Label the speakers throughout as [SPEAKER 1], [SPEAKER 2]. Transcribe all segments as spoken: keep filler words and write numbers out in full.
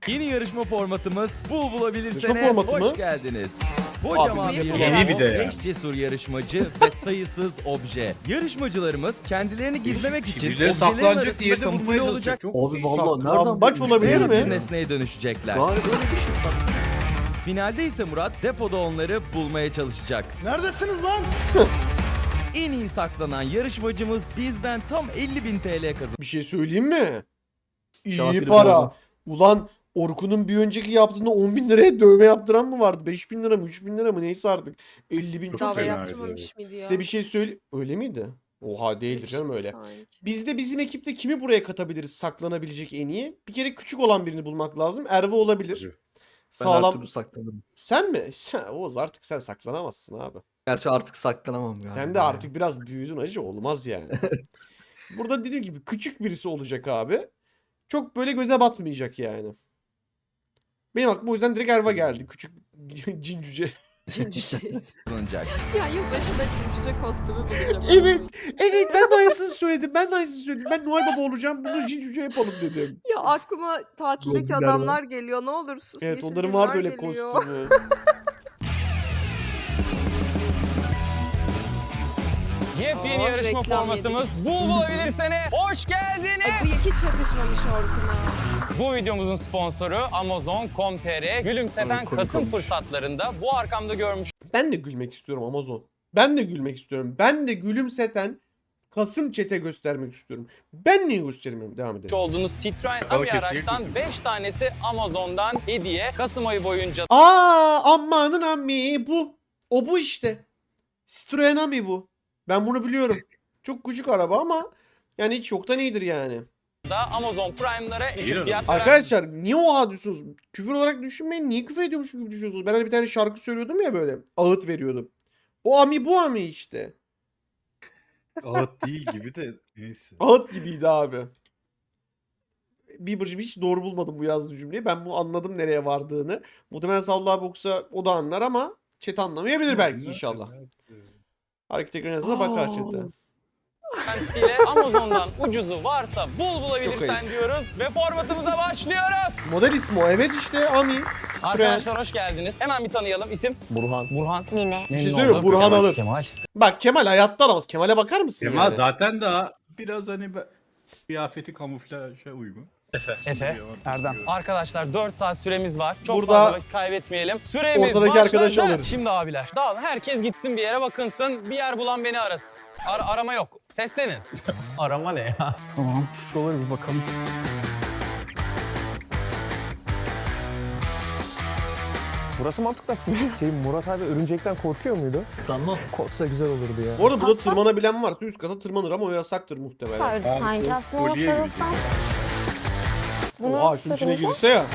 [SPEAKER 1] Yeni yarışma formatımız Bul
[SPEAKER 2] Yarışma
[SPEAKER 1] Bulabilirsene
[SPEAKER 2] formatı
[SPEAKER 1] hoş
[SPEAKER 2] mı?
[SPEAKER 1] geldiniz. Kocaman
[SPEAKER 2] Abi,
[SPEAKER 1] bir
[SPEAKER 2] yeni
[SPEAKER 1] bravo,
[SPEAKER 3] bir de ya.
[SPEAKER 1] beş cesur yarışmacı ve sayısız obje. Yarışmacılarımız kendilerini gizlemek için
[SPEAKER 3] Birileri
[SPEAKER 1] objelerin
[SPEAKER 3] saklanacak,
[SPEAKER 1] arasında
[SPEAKER 3] diğeri de
[SPEAKER 1] kamufle
[SPEAKER 3] bulmaya
[SPEAKER 1] olacak.
[SPEAKER 3] çalışacak.
[SPEAKER 4] Abi vallahi nereden
[SPEAKER 2] Saklambaç
[SPEAKER 4] bulmuş
[SPEAKER 2] olabilir
[SPEAKER 4] ya?
[SPEAKER 2] mi?
[SPEAKER 1] Bir nesneye dönüşecekler.
[SPEAKER 4] Galiba öyle bir şey bak.
[SPEAKER 1] Finalde ise Murat depoda onları bulmaya çalışacak.
[SPEAKER 2] Neredesiniz lan?
[SPEAKER 1] En iyi saklanan yarışmacımız bizden tam elli bin T L kazanacak.
[SPEAKER 2] Bir şey söyleyeyim mi? İyi
[SPEAKER 4] Şafir
[SPEAKER 2] para.
[SPEAKER 4] olmaz.
[SPEAKER 2] Ulan Orkun'un bir önceki yaptığında on bin liraya dövme yaptıran mı vardı? beş bin lira mı? üç bin lira mı? Neyse artık. elli bin çok
[SPEAKER 5] Dava
[SPEAKER 3] fena
[SPEAKER 5] yaptırmamış mıydı ya?
[SPEAKER 2] Size bir şey söyle... Öyle miydi? Oha değildir canım öyle.
[SPEAKER 5] Sanki.
[SPEAKER 2] Biz de bizim ekipte kimi buraya katabiliriz saklanabilecek en iyi? Bir kere küçük olan birini bulmak lazım. Erve olabilir.
[SPEAKER 3] Tabii.
[SPEAKER 4] Ben her
[SPEAKER 2] Sağlam.
[SPEAKER 4] türlü saklanırım.
[SPEAKER 2] Sen mi? Sen, Oğuz artık sen saklanamazsın abi.
[SPEAKER 4] Gerçi artık saklanamam galiba.
[SPEAKER 2] Sen de artık biraz büyüdün acı, olmaz yani. Burada dediğim gibi küçük birisi olacak abi. Çok böyle göze batmayacak yani. Benim aklıma o yüzden direkt Erva geldi. Küçük cin cüce.
[SPEAKER 5] Üçüncü şey.
[SPEAKER 1] kazanacak.
[SPEAKER 5] Ya yılbaşında cimcice kostümü bulacağım.
[SPEAKER 2] Evet. Evet ben de aynısını söyledim. Ben de aynısını söyledim. Ben Noel Baba olacağım. Bunu cin cüce yapalım dedim.
[SPEAKER 5] Ya aklıma tatildeki
[SPEAKER 4] Zombiler var.
[SPEAKER 5] adamlar geliyor. Ne olur sus.
[SPEAKER 2] Evet
[SPEAKER 5] yeşil
[SPEAKER 2] onların var
[SPEAKER 5] güller
[SPEAKER 2] böyle
[SPEAKER 5] geliyor.
[SPEAKER 2] kostümü.
[SPEAKER 1] Yepyeni
[SPEAKER 5] Aa,
[SPEAKER 1] yarışma
[SPEAKER 5] reklam
[SPEAKER 1] formatımız Bul Bulabilirsene hoş geldiniz.
[SPEAKER 5] Ay bu hiç yakışmamış Orkun'a.
[SPEAKER 6] Bu videomuzun sponsoru Amazon nokta com nokta tr. Gülümseten
[SPEAKER 4] Komik
[SPEAKER 6] Kasım
[SPEAKER 4] olmuş.
[SPEAKER 6] fırsatlarında bu arkamda görmüş
[SPEAKER 2] Ben de gülmek istiyorum Amazon. Ben de gülmek istiyorum. Ben de gülümseten Kasım çete göstermek istiyorum. Ben niye göstermiyorum? Devam edelim.
[SPEAKER 6] olduğunuz Citroen
[SPEAKER 3] Ama
[SPEAKER 6] Ami
[SPEAKER 3] kesinlikle
[SPEAKER 6] araçtan
[SPEAKER 3] üzüldüm.
[SPEAKER 6] beş tanesi Amazon'dan hediye. Kasım ayı boyunca
[SPEAKER 2] Aa amanın ammi bu. O bu işte. Citroen Ami bu. Ben bunu biliyorum. Çok küçük araba ama yani hiç yoktan iyidir yani.
[SPEAKER 6] da Amazon Prime'lara
[SPEAKER 3] İyi
[SPEAKER 6] eşit fiyat veren
[SPEAKER 2] Arkadaşlar niye oha diyorsunuz? Küfür olarak düşünmeyin. Niye küfür ediyormuş gibi düşünüyorsunuz? Ben hani bir tane şarkı söylüyordum ya böyle. Ağıt veriyordum. O Ami bu Ami işte.
[SPEAKER 3] Ağıt değil gibi de neyse.
[SPEAKER 2] Ağıt gibiydi abi. Bieber'cığım hiç doğru bulmadım bu yazdığı cümleyi. Ben bu anladım nereye vardığını. Muhtemelen Sallı abi okusa o da anlar ama chat anlamayabilir belki inşallah. Hareket ekranı yazısına bakar chat'e.
[SPEAKER 6] kendisiyle Amazon'dan ucuzu varsa bul
[SPEAKER 2] Çok
[SPEAKER 6] bulabilirsen
[SPEAKER 2] ayıp.
[SPEAKER 6] diyoruz ve formatımıza başlıyoruz.
[SPEAKER 2] Model ismi o. Evet işte Ami. Citroen.
[SPEAKER 6] Arkadaşlar hoş geldiniz. Hemen bir tanıyalım. İsim?
[SPEAKER 4] Burhan.
[SPEAKER 6] Burhan.
[SPEAKER 5] Mine.
[SPEAKER 2] Bir şey
[SPEAKER 6] Memnun
[SPEAKER 2] söyleyeyim mi?
[SPEAKER 6] oldum.
[SPEAKER 2] Burhan
[SPEAKER 6] Kemal.
[SPEAKER 2] alır.
[SPEAKER 6] Kemal.
[SPEAKER 2] Bak Kemal hayatta alamaz. Kemal'e bakar mısın
[SPEAKER 3] Kemal
[SPEAKER 2] yani?
[SPEAKER 3] zaten daha biraz hani be- kıyafeti kamuflaja uygun.
[SPEAKER 6] Efe. Erdem. Arkadaşlar dört saat süremiz var. Çok
[SPEAKER 2] Burada
[SPEAKER 6] fazla vakit kaybetmeyelim. Süremiz
[SPEAKER 2] ortadaki
[SPEAKER 6] başladı.
[SPEAKER 2] arkadaşı alırız.
[SPEAKER 6] Şimdi abiler dağılın. Herkes gitsin bir yere bakınsın. Bir yer bulan beni arasın. Ar- arama yok. Seslenin. Arama ne ya?
[SPEAKER 4] Tamam. Şuralara bir bakalım.
[SPEAKER 7] Burası mantıklı aslında. Şey, Murat abi örümcekten korkuyor muydu?
[SPEAKER 4] Sanmam.
[SPEAKER 7] Korksa güzel olurdu ya.
[SPEAKER 2] Bu arada burada tırmanabilen varsa üst kata tırmanır ama o yasaktır muhtemelen.
[SPEAKER 8] Vardı sanki aslında ona
[SPEAKER 3] kolye
[SPEAKER 8] sarılsam. Bunu
[SPEAKER 2] Oha şunun içine
[SPEAKER 8] sarılacak.
[SPEAKER 2] girse ya.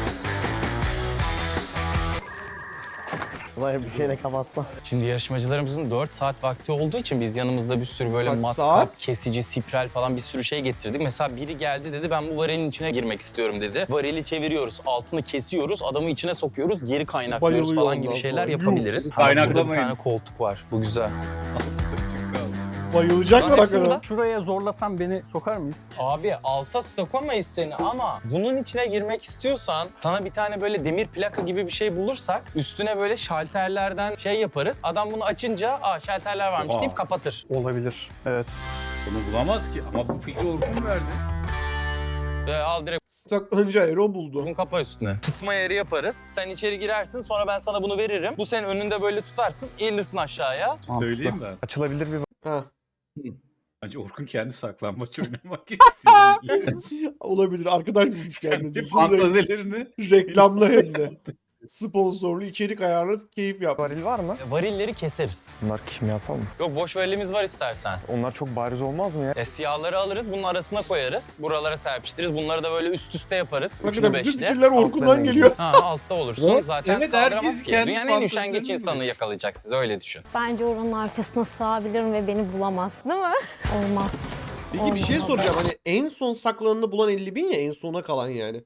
[SPEAKER 7] Ulan bir şeyle kapatsam.
[SPEAKER 6] Şimdi yarışmacılarımızın dört saat vakti olduğu için biz yanımızda bir sürü böyle
[SPEAKER 2] Kaç
[SPEAKER 6] matkap,
[SPEAKER 2] saat?
[SPEAKER 6] kesici, spiral falan bir sürü şey getirdik. Mesela biri geldi dedi ben bu varilin içine girmek istiyorum dedi. Varili çeviriyoruz, altını kesiyoruz, adamı içine sokuyoruz, geri kaynaklıyoruz
[SPEAKER 2] Bayılıyor
[SPEAKER 6] falan gibi
[SPEAKER 2] ondan
[SPEAKER 6] şeyler
[SPEAKER 2] sonra.
[SPEAKER 6] yapabiliriz.
[SPEAKER 3] Kaynaklamayın.
[SPEAKER 6] Burada bir tane koltuk var. Bu güzel.
[SPEAKER 2] Bayılacaklar
[SPEAKER 6] Lan hepsi
[SPEAKER 2] hakikaten.
[SPEAKER 6] burada.
[SPEAKER 7] Şuraya zorlasam beni sokar mıyız?
[SPEAKER 6] Abi alta sokamayız seni ama bunun içine girmek istiyorsan sana bir tane böyle demir plaka gibi bir şey bulursak üstüne böyle şalterlerden şey yaparız. Adam bunu açınca aa şalterler varmış
[SPEAKER 3] Oha.
[SPEAKER 6] deyip kapatır.
[SPEAKER 7] Olabilir. Evet.
[SPEAKER 3] Bunu bulamaz ki ama bu fikri Orkun verdi.
[SPEAKER 6] Ee, al direkt
[SPEAKER 2] Tak önce Aero buldu.
[SPEAKER 6] bunu kapa üstüne. Tutma yeri yaparız. Sen içeri girersin sonra ben sana bunu veririm. Bu senin önünde böyle tutarsın eğilirsin aşağıya.
[SPEAKER 3] Söyleyeyim ben.
[SPEAKER 7] Açılabilir bir
[SPEAKER 2] Ha.
[SPEAKER 3] Bence Orkun kendi saklambaç oynamak istiyor.
[SPEAKER 2] Olabilir. Arkadaş bulmuş kendine.
[SPEAKER 3] Kendi
[SPEAKER 2] diyorsun.
[SPEAKER 3] fantazelerini.
[SPEAKER 2] Reklamlı hem de. Sponsorlu içerik ayarlı keyif yap.
[SPEAKER 7] varil var mı?
[SPEAKER 6] E, Varilleri keseriz.
[SPEAKER 7] Bunlar kimyasal mı?
[SPEAKER 6] Yok boş varilimiz var istersen.
[SPEAKER 7] Onlar çok bariz olmaz mı ya?
[SPEAKER 6] E, siyahları alırız bunun arasına koyarız. Buralara serpiştiririz. Bunları da böyle üst üste yaparız. Üçlü
[SPEAKER 2] Hakikaten bütün
[SPEAKER 6] beşli.
[SPEAKER 2] fikirler Orkun'dan
[SPEAKER 7] Altlarına
[SPEAKER 2] geliyor.
[SPEAKER 6] Ha altta olursun.
[SPEAKER 3] Evet,
[SPEAKER 6] Zaten
[SPEAKER 3] evet,
[SPEAKER 6] kaldıramaz
[SPEAKER 3] herkes
[SPEAKER 6] ki.
[SPEAKER 3] kendi
[SPEAKER 6] Dünyanın en üşengeç
[SPEAKER 3] fantezilerini
[SPEAKER 6] insanı
[SPEAKER 3] buluyor.
[SPEAKER 6] yakalayacak sizi öyle düşün.
[SPEAKER 8] Bence oranın arkasına sığabilirim ve beni bulamaz. Değil mi? Olmaz.
[SPEAKER 2] Peki bir şey
[SPEAKER 8] Olmaz.
[SPEAKER 2] soracağım. Hani en son saklananı bulan elli bin ya en sona kalan yani.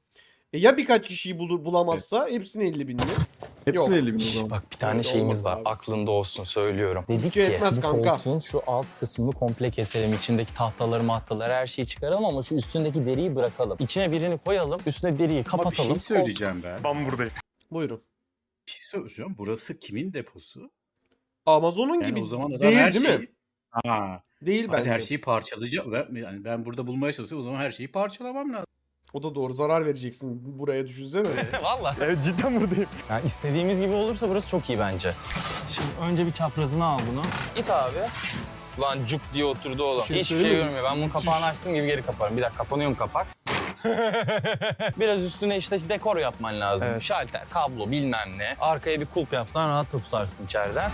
[SPEAKER 2] E ya birkaç kişiyi bulur bulamazsa hepsini elli binli.
[SPEAKER 4] Hepsini
[SPEAKER 2] Yok.
[SPEAKER 4] elli bin o
[SPEAKER 6] Şş,
[SPEAKER 4] zaman.
[SPEAKER 6] bak bir tane
[SPEAKER 2] Öyle
[SPEAKER 6] şeyimiz
[SPEAKER 2] olmaz
[SPEAKER 6] var.
[SPEAKER 2] abi.
[SPEAKER 6] Aklında olsun söylüyorum. Dedik
[SPEAKER 2] Bütçe
[SPEAKER 6] ki
[SPEAKER 2] yetmez
[SPEAKER 6] bu
[SPEAKER 2] kanka.
[SPEAKER 6] koltuğun şu alt kısmını komple keselim. İçindeki tahtaları mahtaları her şeyi çıkaralım ama şu üstündeki deriyi bırakalım. İçine birini koyalım. Üstüne deriyi
[SPEAKER 3] Ama bir
[SPEAKER 6] kapatalım.
[SPEAKER 3] şey söyleyeceğim ben.
[SPEAKER 7] Ben buradayım.
[SPEAKER 2] Buyurun.
[SPEAKER 3] Bir şey söyleyeceğim. Burası kimin deposu?
[SPEAKER 2] Amazon'un
[SPEAKER 3] Yani
[SPEAKER 2] gibi
[SPEAKER 3] o zaman adam
[SPEAKER 2] değil
[SPEAKER 3] her
[SPEAKER 2] değil
[SPEAKER 3] şeyi...
[SPEAKER 2] mi?
[SPEAKER 3] Ha,
[SPEAKER 2] Değil
[SPEAKER 3] hayır,
[SPEAKER 2] bence.
[SPEAKER 3] her şeyi parçalayacak. Ben, yani ben burada bulmaya çalışıyorum. O zaman her şeyi parçalamam lazım.
[SPEAKER 2] O da doğru, zarar vereceksin buraya, düşünsene.
[SPEAKER 6] Valla.
[SPEAKER 7] Evet cidden buradayım.
[SPEAKER 6] Yani istediğimiz gibi olursa burası çok iyi bence. Şimdi önce bir çaprazını al bunu. Git abi. Lan cuk diye oturdu oğlum.
[SPEAKER 2] Şey
[SPEAKER 6] Hiçbir şey
[SPEAKER 2] söyleyeyim mi?
[SPEAKER 6] görmüyor. Ben bunun kapağını açtığım gibi geri kaparım. Bir dakika kapanıyor mu kapak? Biraz üstüne işte dekor yapman lazım.
[SPEAKER 7] Evet.
[SPEAKER 6] Şalter, kablo bilmem ne. Arkaya bir kulp yapsan rahat da tutarsın içeriden.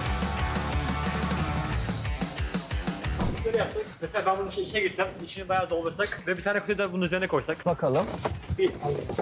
[SPEAKER 9] Şöyle yapsak, mesela ben bunun içine, içine girsem, içini bayağı doldursak ve bir tane kutuyu da bunun üzerine koysak.
[SPEAKER 6] Bakalım.
[SPEAKER 9] Bir,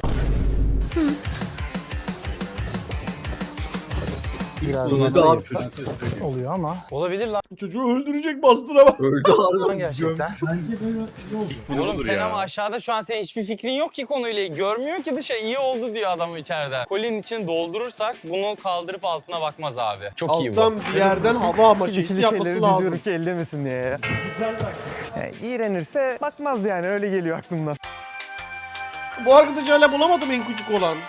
[SPEAKER 6] Biraz
[SPEAKER 3] Kullanılan
[SPEAKER 6] daha
[SPEAKER 3] yapıyor, ben size söyleyeyim.
[SPEAKER 6] oluyor ama. Olabilir lan
[SPEAKER 2] Çocuğu öldürecek, bastıra bak.
[SPEAKER 4] Öldü harbiden.
[SPEAKER 6] gerçekten.
[SPEAKER 3] Bunu
[SPEAKER 6] Oğlum
[SPEAKER 3] olur
[SPEAKER 6] sen
[SPEAKER 3] ya.
[SPEAKER 6] ama aşağıda şu an senin hiçbir fikrin yok ki konuyla. Görmüyor ki dışarı. İyi oldu diyor adam içeriden. Kolinin içini doldurursak bunu kaldırıp altına bakmaz abi. Çok iyi bu.
[SPEAKER 2] Alttan bir yerden hava ama şeysi
[SPEAKER 7] İkili
[SPEAKER 2] yapması
[SPEAKER 7] şeyleri
[SPEAKER 2] lazım.
[SPEAKER 7] diziyorum ki ellemesin diye ya.
[SPEAKER 9] güzel bak.
[SPEAKER 7] Yani iğrenirse bakmaz yani öyle geliyor aklımdan.
[SPEAKER 2] Bu arkadaşı hala bulamadım en küçük olan.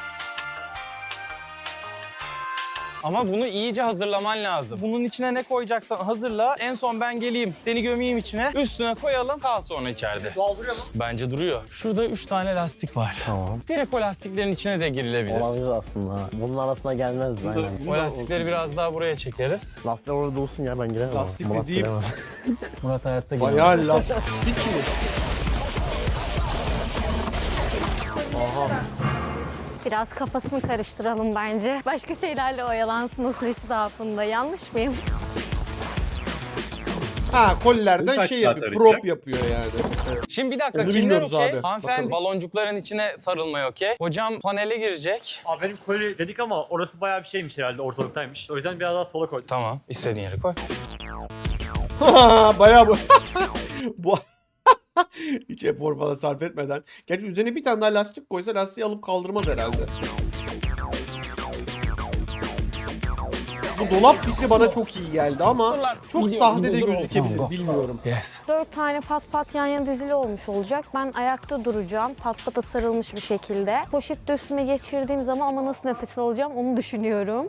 [SPEAKER 6] Ama bunu iyice hazırlaman lazım. Bunun içine ne koyacaksan hazırla. En son ben geleyim, seni gömeyim içine. Üstüne koyalım, kal sonra içeride.
[SPEAKER 9] Dolduruyor mu?
[SPEAKER 6] Bence duruyor. Şurada üç tane lastik var.
[SPEAKER 4] Tamam.
[SPEAKER 6] Direkt o lastiklerin içine de girilebilir.
[SPEAKER 10] Olabilir aslında. Bunun arasına gelmezdi aynen.
[SPEAKER 6] O lastikleri biraz daha buraya çekeriz.
[SPEAKER 10] Lastikler orada olsun ya, ben giremem.
[SPEAKER 2] Lastik
[SPEAKER 10] Murat
[SPEAKER 2] dediğim-
[SPEAKER 10] giremez.
[SPEAKER 6] Murat hayatta giremez.
[SPEAKER 2] Bayağı lastik mi? Aha.
[SPEAKER 8] Biraz kafasını karıştıralım bence. Başka şeylerle oyalansın o süreç zarfında. Yanlış mıyım?
[SPEAKER 2] Ha, kollerden
[SPEAKER 3] Kaç
[SPEAKER 2] şey
[SPEAKER 3] saat
[SPEAKER 2] yapıyor,
[SPEAKER 3] arayacak?
[SPEAKER 2] prop yapıyor yani.
[SPEAKER 6] Şimdi bir dakika
[SPEAKER 2] Onu
[SPEAKER 6] kimler
[SPEAKER 2] bilmiyoruz
[SPEAKER 6] okey?
[SPEAKER 2] abi.
[SPEAKER 6] Hanımefendi
[SPEAKER 2] Bakalım.
[SPEAKER 6] baloncukların içine sarılmaya okey. Hocam panele girecek.
[SPEAKER 9] Abi benim koli dedik ama orası bayağı bir şeymiş herhalde, ortalıktaymış. O yüzden biraz daha sola koydum.
[SPEAKER 6] Tamam istediğin yere koy.
[SPEAKER 2] Bayağı bu. bu hiç efor falan sarf etmeden. Gerçi üzerine bir tane daha lastik koysa lastiği alıp kaldırmaz herhalde. Bu dolap fikri bana çok iyi geldi ama
[SPEAKER 6] Dur lan.
[SPEAKER 2] çok
[SPEAKER 6] Gidiyorum,
[SPEAKER 2] sahte de
[SPEAKER 6] dur, dur.
[SPEAKER 2] gözükebilir,
[SPEAKER 6] Tamam,
[SPEAKER 2] bilmiyorum.
[SPEAKER 6] Yes.
[SPEAKER 8] Dört tane pat pat yan yana dizili olmuş olacak. Ben ayakta duracağım. Pat pata sarılmış bir şekilde. Poşet de üstüme geçirdiğim zaman ama nasıl nefes alacağım onu düşünüyorum.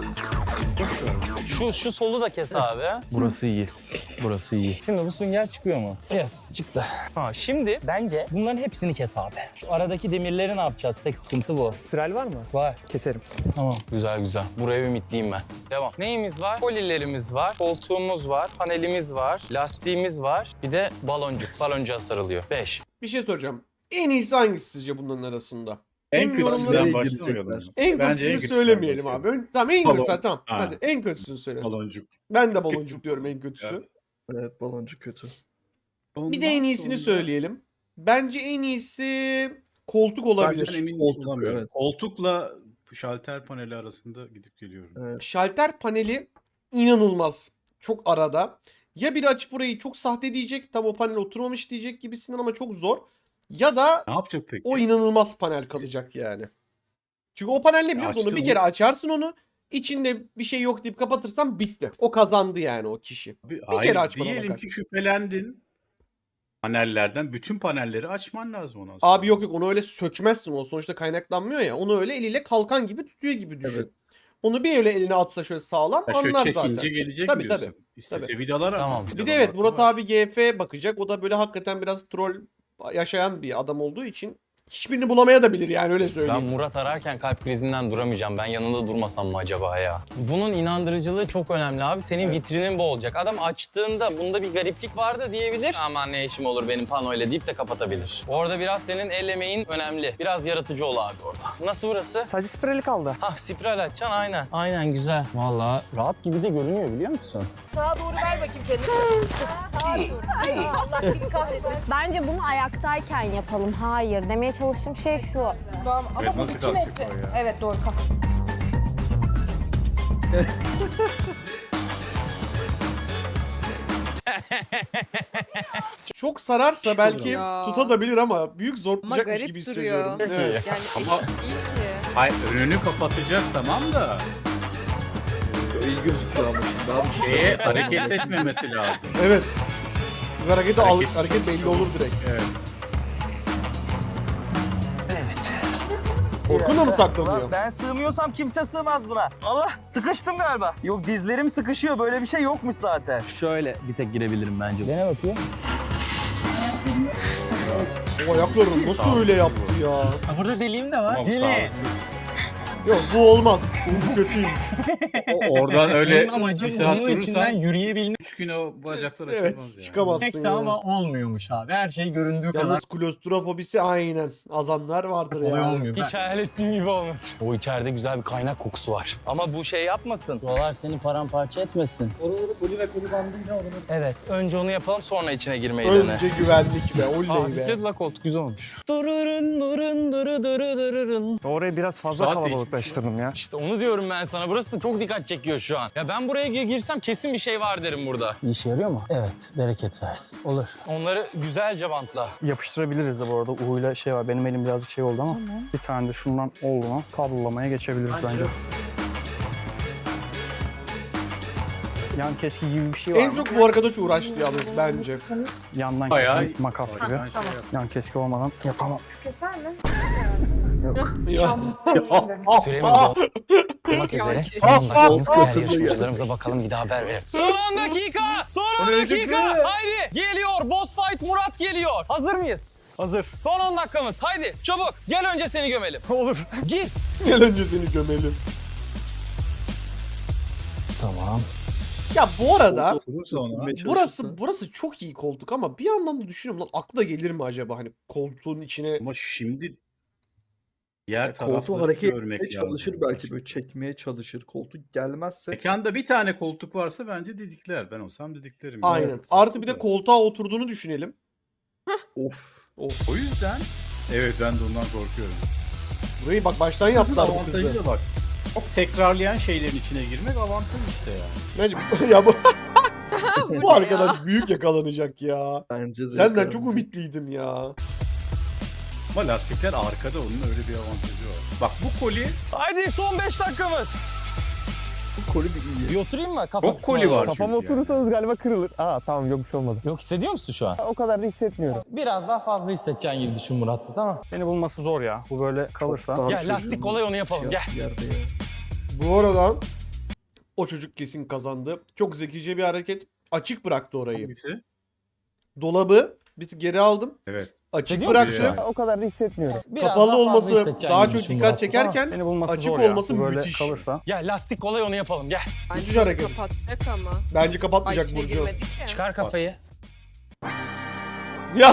[SPEAKER 6] Şu şu solu da kes abi.
[SPEAKER 4] Burası iyi. Burası iyi.
[SPEAKER 6] Şimdi bu sünger çıkıyor mu? Yes, çıktı. Ha, şimdi bence bunların hepsini kes abi. Şu aradaki demirleri ne yapacağız? Tek sıkıntı bu.
[SPEAKER 7] Spiral var mı?
[SPEAKER 6] Var.
[SPEAKER 7] Keserim.
[SPEAKER 6] Tamam. Güzel güzel. Buraya ümitliyim ben. Devam. Neyimiz var? Kolilerimiz var, koltuğumuz var, panelimiz var, lastiğimiz var. Bir de baloncuk. Baloncuğa sarılıyor. Beş.
[SPEAKER 2] Bir şey soracağım. En iyisi hangisi sizce bunların arasında?
[SPEAKER 3] En
[SPEAKER 2] Benim yorumlarım-
[SPEAKER 3] kötüsünden başlamayalım.
[SPEAKER 2] En
[SPEAKER 3] Bence
[SPEAKER 2] kötüsünü
[SPEAKER 3] kötüsünden
[SPEAKER 2] söylemeyelim
[SPEAKER 3] başlayalım.
[SPEAKER 2] abi. Ön- Tamam en
[SPEAKER 3] Balon-
[SPEAKER 2] kötüsü tamam.
[SPEAKER 3] Ha.
[SPEAKER 2] Hadi en kötüsünü söyle.
[SPEAKER 3] Baloncuk.
[SPEAKER 2] Ben de baloncuk
[SPEAKER 3] Kötü.
[SPEAKER 2] diyorum en kötüsü.
[SPEAKER 3] Evet.
[SPEAKER 4] Evet baloncuk kötü.
[SPEAKER 2] Bir de en iyisini söyleyelim. Bence en iyisi koltuk olabilir.
[SPEAKER 3] Ben emin
[SPEAKER 4] Koltuk,
[SPEAKER 3] olamıyorum.
[SPEAKER 4] evet.
[SPEAKER 3] Koltukla şalter paneli arasında gidip geliyorum.
[SPEAKER 4] Evet.
[SPEAKER 2] Şalter paneli inanılmaz. Çok arada. Ya biri açıp burayı çok sahte diyecek, tam o panel oturmamış diyecek gibisinden ama çok zor. Ya da
[SPEAKER 3] Ne yapacak peki?
[SPEAKER 2] o inanılmaz panel kalacak yani. Çünkü o panel ne biliyor musun? Onu
[SPEAKER 3] açtın
[SPEAKER 2] bir
[SPEAKER 3] mı?
[SPEAKER 2] kere açarsın onu. İçinde bir şey yok deyip kapatırsan bitti. O kazandı yani o kişi.
[SPEAKER 3] Bir,
[SPEAKER 2] kere
[SPEAKER 3] hayır,
[SPEAKER 2] açmana
[SPEAKER 3] diyelim
[SPEAKER 2] bakar.
[SPEAKER 3] ki şüphelendin. Panellerden bütün panelleri açman lazım ondan sonra.
[SPEAKER 2] Abi yok yok, onu öyle sökmezsin, o sonuçta kaynaklanmıyor ya. Onu öyle eliyle kalkan gibi tutuyor gibi düşün.
[SPEAKER 4] Evet.
[SPEAKER 2] Onu bir öyle eline atsa şöyle sağlam
[SPEAKER 3] Ya şöyle
[SPEAKER 2] anlar
[SPEAKER 3] çekince
[SPEAKER 2] zaten.
[SPEAKER 3] gelecek
[SPEAKER 2] Tabii,
[SPEAKER 3] diyorsun.
[SPEAKER 2] tabii.
[SPEAKER 3] İstese
[SPEAKER 2] Tabii.
[SPEAKER 3] vidalar
[SPEAKER 6] Tamam.
[SPEAKER 3] ama
[SPEAKER 2] Bir de
[SPEAKER 3] vidalar
[SPEAKER 2] evet
[SPEAKER 3] hakkı
[SPEAKER 2] Murat
[SPEAKER 3] var.
[SPEAKER 2] abi G F bakacak. O da böyle hakikaten biraz troll yaşayan bir adam olduğu için hiçbirini bulamaya da bilir yani, öyle
[SPEAKER 6] Ben
[SPEAKER 2] söyleyeyim.
[SPEAKER 6] Murat ararken kalp krizinden duramayacağım. Ben yanında durmasam mı acaba ya? Bunun inandırıcılığı çok önemli abi. Senin vitrinin bu olacak. Adam açtığında bunda bir gariplik vardı diyebilir. Aman ne işim olur benim panoyla deyip de kapatabilir. Orada biraz senin el emeğin önemli. Biraz yaratıcı ol abi orada. Nasıl burası?
[SPEAKER 7] Sadece spirali kaldı.
[SPEAKER 6] Hah spiral açacaksın aynen. Aynen güzel. Vallahi rahat gibi de görünüyor biliyor musun?
[SPEAKER 5] Sağa doğru ver bakayım kendini. Sağa doğru. Allah seni kahretmesin.
[SPEAKER 8] Bence bunu ayaktayken yapalım. Hayır. Demeye çalıştığım şey şu.
[SPEAKER 5] Tamam ama
[SPEAKER 3] Evet,
[SPEAKER 5] bu
[SPEAKER 3] nasıl
[SPEAKER 5] iki
[SPEAKER 3] kalkacak
[SPEAKER 5] metre.
[SPEAKER 3] o ya?
[SPEAKER 5] Evet doğru kalk.
[SPEAKER 2] Çok sararsa belki
[SPEAKER 5] Ya.
[SPEAKER 2] tutabilir ama büyük
[SPEAKER 5] Ama
[SPEAKER 2] zorlayacakmış
[SPEAKER 5] garip
[SPEAKER 2] gibi
[SPEAKER 5] duruyor.
[SPEAKER 2] hissediyorum. Evet.
[SPEAKER 5] Yani eşit değil ki.
[SPEAKER 3] Hayır önünü kapatacak tamam da
[SPEAKER 4] İyi gözüküyor ama. Daha bir şey.
[SPEAKER 3] şeye hareket etmemesi lazım.
[SPEAKER 2] Evet. Bu hareketi al,
[SPEAKER 3] Hareket-
[SPEAKER 2] hareket belli olur direkt.
[SPEAKER 3] Evet.
[SPEAKER 2] Orkun da mı saklanıyor?
[SPEAKER 6] Ben sığmıyorsam kimse sığmaz buna. Allah sıkıştım galiba. Yok dizlerim sıkışıyor böyle bir şey yokmuş zaten. Şöyle bir tek girebilirim bence. Dene bakayım.
[SPEAKER 2] O ayaklarını nasıl öyle yaptı ya?
[SPEAKER 6] Ha, burada deliğim de var.
[SPEAKER 3] Ama bu
[SPEAKER 6] Deli.
[SPEAKER 3] sağlıksız.
[SPEAKER 2] Yok bu olmaz. Bu kötüymüş.
[SPEAKER 3] O- Oradan öyle
[SPEAKER 6] Benim
[SPEAKER 3] bir
[SPEAKER 6] amacım
[SPEAKER 3] saat
[SPEAKER 6] bunun içinden
[SPEAKER 3] durursan
[SPEAKER 6] yürüyebilmek.
[SPEAKER 3] üç gün o bacaklar açılmaz
[SPEAKER 2] Evet
[SPEAKER 3] yani.
[SPEAKER 2] çıkamazsın ya.
[SPEAKER 6] Ama olmuyormuş abi. Her şey göründüğü kadar
[SPEAKER 2] Yalnız klostrofobisi aynen. Azanlar vardır
[SPEAKER 6] kolay
[SPEAKER 2] ya.
[SPEAKER 6] olmuyor. Hiç hayal ettiğim gibi olmadı. O içeride güzel bir kaynak kokusu var. Ama bu şey yapmasın. Dolar seni paramparça etmesin. Evet. Önce onu yapalım sonra içine girmeyi dene.
[SPEAKER 2] Önce güvenlik be. Oley be.
[SPEAKER 6] Hafifledi la koltuk güzel olmuş. Dururun durun duru duru dururun.
[SPEAKER 7] Orayı biraz fazla
[SPEAKER 3] Saat
[SPEAKER 7] kalabalıklaştırdım ya.
[SPEAKER 6] İşte onu diyorum ben sana. Burası çok dikkat çekiyor şu an. Ya ben buraya gi- girsem kesin bir şey var derim burada. İşe yarıyor mu? Evet. Bereket versin. Olur. Onları güzelce bantla.
[SPEAKER 7] Yapıştırabiliriz de bu arada. U'yla şey var. Benim elim birazcık şey oldu ama. Bir tane de şundan olduğuna kablolamaya geçebiliriz bence. Yan keski gibi bir şey var
[SPEAKER 2] En
[SPEAKER 7] mı?
[SPEAKER 2] çok bu arkadaş uğraştı yalnız bence.
[SPEAKER 7] Yandan
[SPEAKER 3] Bayağı-
[SPEAKER 7] kesin makas gibi.
[SPEAKER 3] Bayağı şey yap-
[SPEAKER 7] Yan keski olmadan yapamam.
[SPEAKER 5] Keser mi?
[SPEAKER 2] Ya.
[SPEAKER 6] Süremiz dolmak üzere. Son on dakikamız diğer yarışmacılarımıza bakalım bir daha haber verelim. Son on dakika! Son on dakika! Haydi! Geliyor! Boss fight Murat geliyor. Hazır mıyız?
[SPEAKER 7] Hazır.
[SPEAKER 6] Son on dakikamız. Haydi çabuk. Gel önce seni gömelim.
[SPEAKER 7] Olur.
[SPEAKER 6] Gir.
[SPEAKER 2] Gel önce seni gömelim.
[SPEAKER 6] Tamam.
[SPEAKER 2] Ya bu arada
[SPEAKER 3] Oturursa ona.
[SPEAKER 2] burası burası çok iyi koltuk ama bir yandan da düşünüyorum lan akla gelir mi acaba hani koltuğun içine
[SPEAKER 3] Ama şimdi diğer
[SPEAKER 4] Koltuğu
[SPEAKER 3] tarafları
[SPEAKER 4] hareket
[SPEAKER 3] görmek
[SPEAKER 4] etmeye
[SPEAKER 3] lazım.
[SPEAKER 4] çalışır belki böyle çekmeye çalışır. Koltuk gelmezse
[SPEAKER 3] Mekanda bir tane koltuk varsa bence didikler. Ben olsam didiklerim.
[SPEAKER 2] aynen.
[SPEAKER 3] Evet.
[SPEAKER 2] Artı bir de koltuğa oturduğunu düşünelim.
[SPEAKER 4] of.
[SPEAKER 3] O yüzden evet ben de ondan korkuyorum.
[SPEAKER 2] Burayı bak baştan yaptılar bu
[SPEAKER 3] Avantajı
[SPEAKER 2] kızı.
[SPEAKER 3] da bak. Çok tekrarlayan şeylerin içine girmek avantaj işte yani.
[SPEAKER 2] Bence ya bu bu arkadaş büyük yakalanacak ya.
[SPEAKER 4] Bence de.
[SPEAKER 2] Senden
[SPEAKER 4] yakalanacak.
[SPEAKER 2] çok ümitliydim ya.
[SPEAKER 3] Ama lastikler arkada onun öyle bir avantajı var. Bak bu koli
[SPEAKER 6] Haydi son beş dakikamız.
[SPEAKER 4] Bu koli bir iyi.
[SPEAKER 6] Bir oturayım mı? Kafa
[SPEAKER 3] çok koli var
[SPEAKER 7] Kafama
[SPEAKER 3] çünkü. yani.
[SPEAKER 7] oturursanız galiba kırılır. Aa tamam yok bir şey olmadı.
[SPEAKER 6] Yok hissediyor musun şu an?
[SPEAKER 7] O kadar da hissetmiyorum.
[SPEAKER 6] Biraz daha fazla hissedeceğin gibi düşün Murat. Tamam.
[SPEAKER 7] Beni bulması zor ya. Bu böyle kalırsa.
[SPEAKER 4] Daha
[SPEAKER 6] Gel
[SPEAKER 4] çocuğun
[SPEAKER 6] lastik kolay onu yapalım. Gel.
[SPEAKER 4] Yerde ya.
[SPEAKER 2] Bu arada o çocuk kesin kazandı. Çok zekice bir hareket. Açık bıraktı orayı.
[SPEAKER 3] Hangisi?
[SPEAKER 2] Dolabı bir tık geri aldım.
[SPEAKER 3] Evet.
[SPEAKER 2] Açık
[SPEAKER 6] Hissediyor
[SPEAKER 2] bıraktım.
[SPEAKER 3] musun
[SPEAKER 7] O kadar da hissetmiyorum.
[SPEAKER 6] Biraz
[SPEAKER 2] Kapalı
[SPEAKER 6] daha fazla
[SPEAKER 2] olması
[SPEAKER 6] hissedeceğin
[SPEAKER 2] daha
[SPEAKER 6] gibi
[SPEAKER 2] çok
[SPEAKER 6] düşün
[SPEAKER 2] dikkat
[SPEAKER 6] Murat, tamam.
[SPEAKER 2] çekerken
[SPEAKER 7] Beni bulması
[SPEAKER 2] açık
[SPEAKER 7] zor ya.
[SPEAKER 2] olması
[SPEAKER 7] Bu böyle
[SPEAKER 2] müthiş.
[SPEAKER 7] kalırsa.
[SPEAKER 6] Gel lastik kolay onu yapalım. Gel.
[SPEAKER 2] Müthiş hareket.
[SPEAKER 5] Kapatacak ama.
[SPEAKER 2] Bence
[SPEAKER 5] Ay
[SPEAKER 2] kapatmayacak
[SPEAKER 5] içine
[SPEAKER 2] Burcu.
[SPEAKER 5] girmedik ya.
[SPEAKER 6] Çıkar kafayı.
[SPEAKER 2] Ya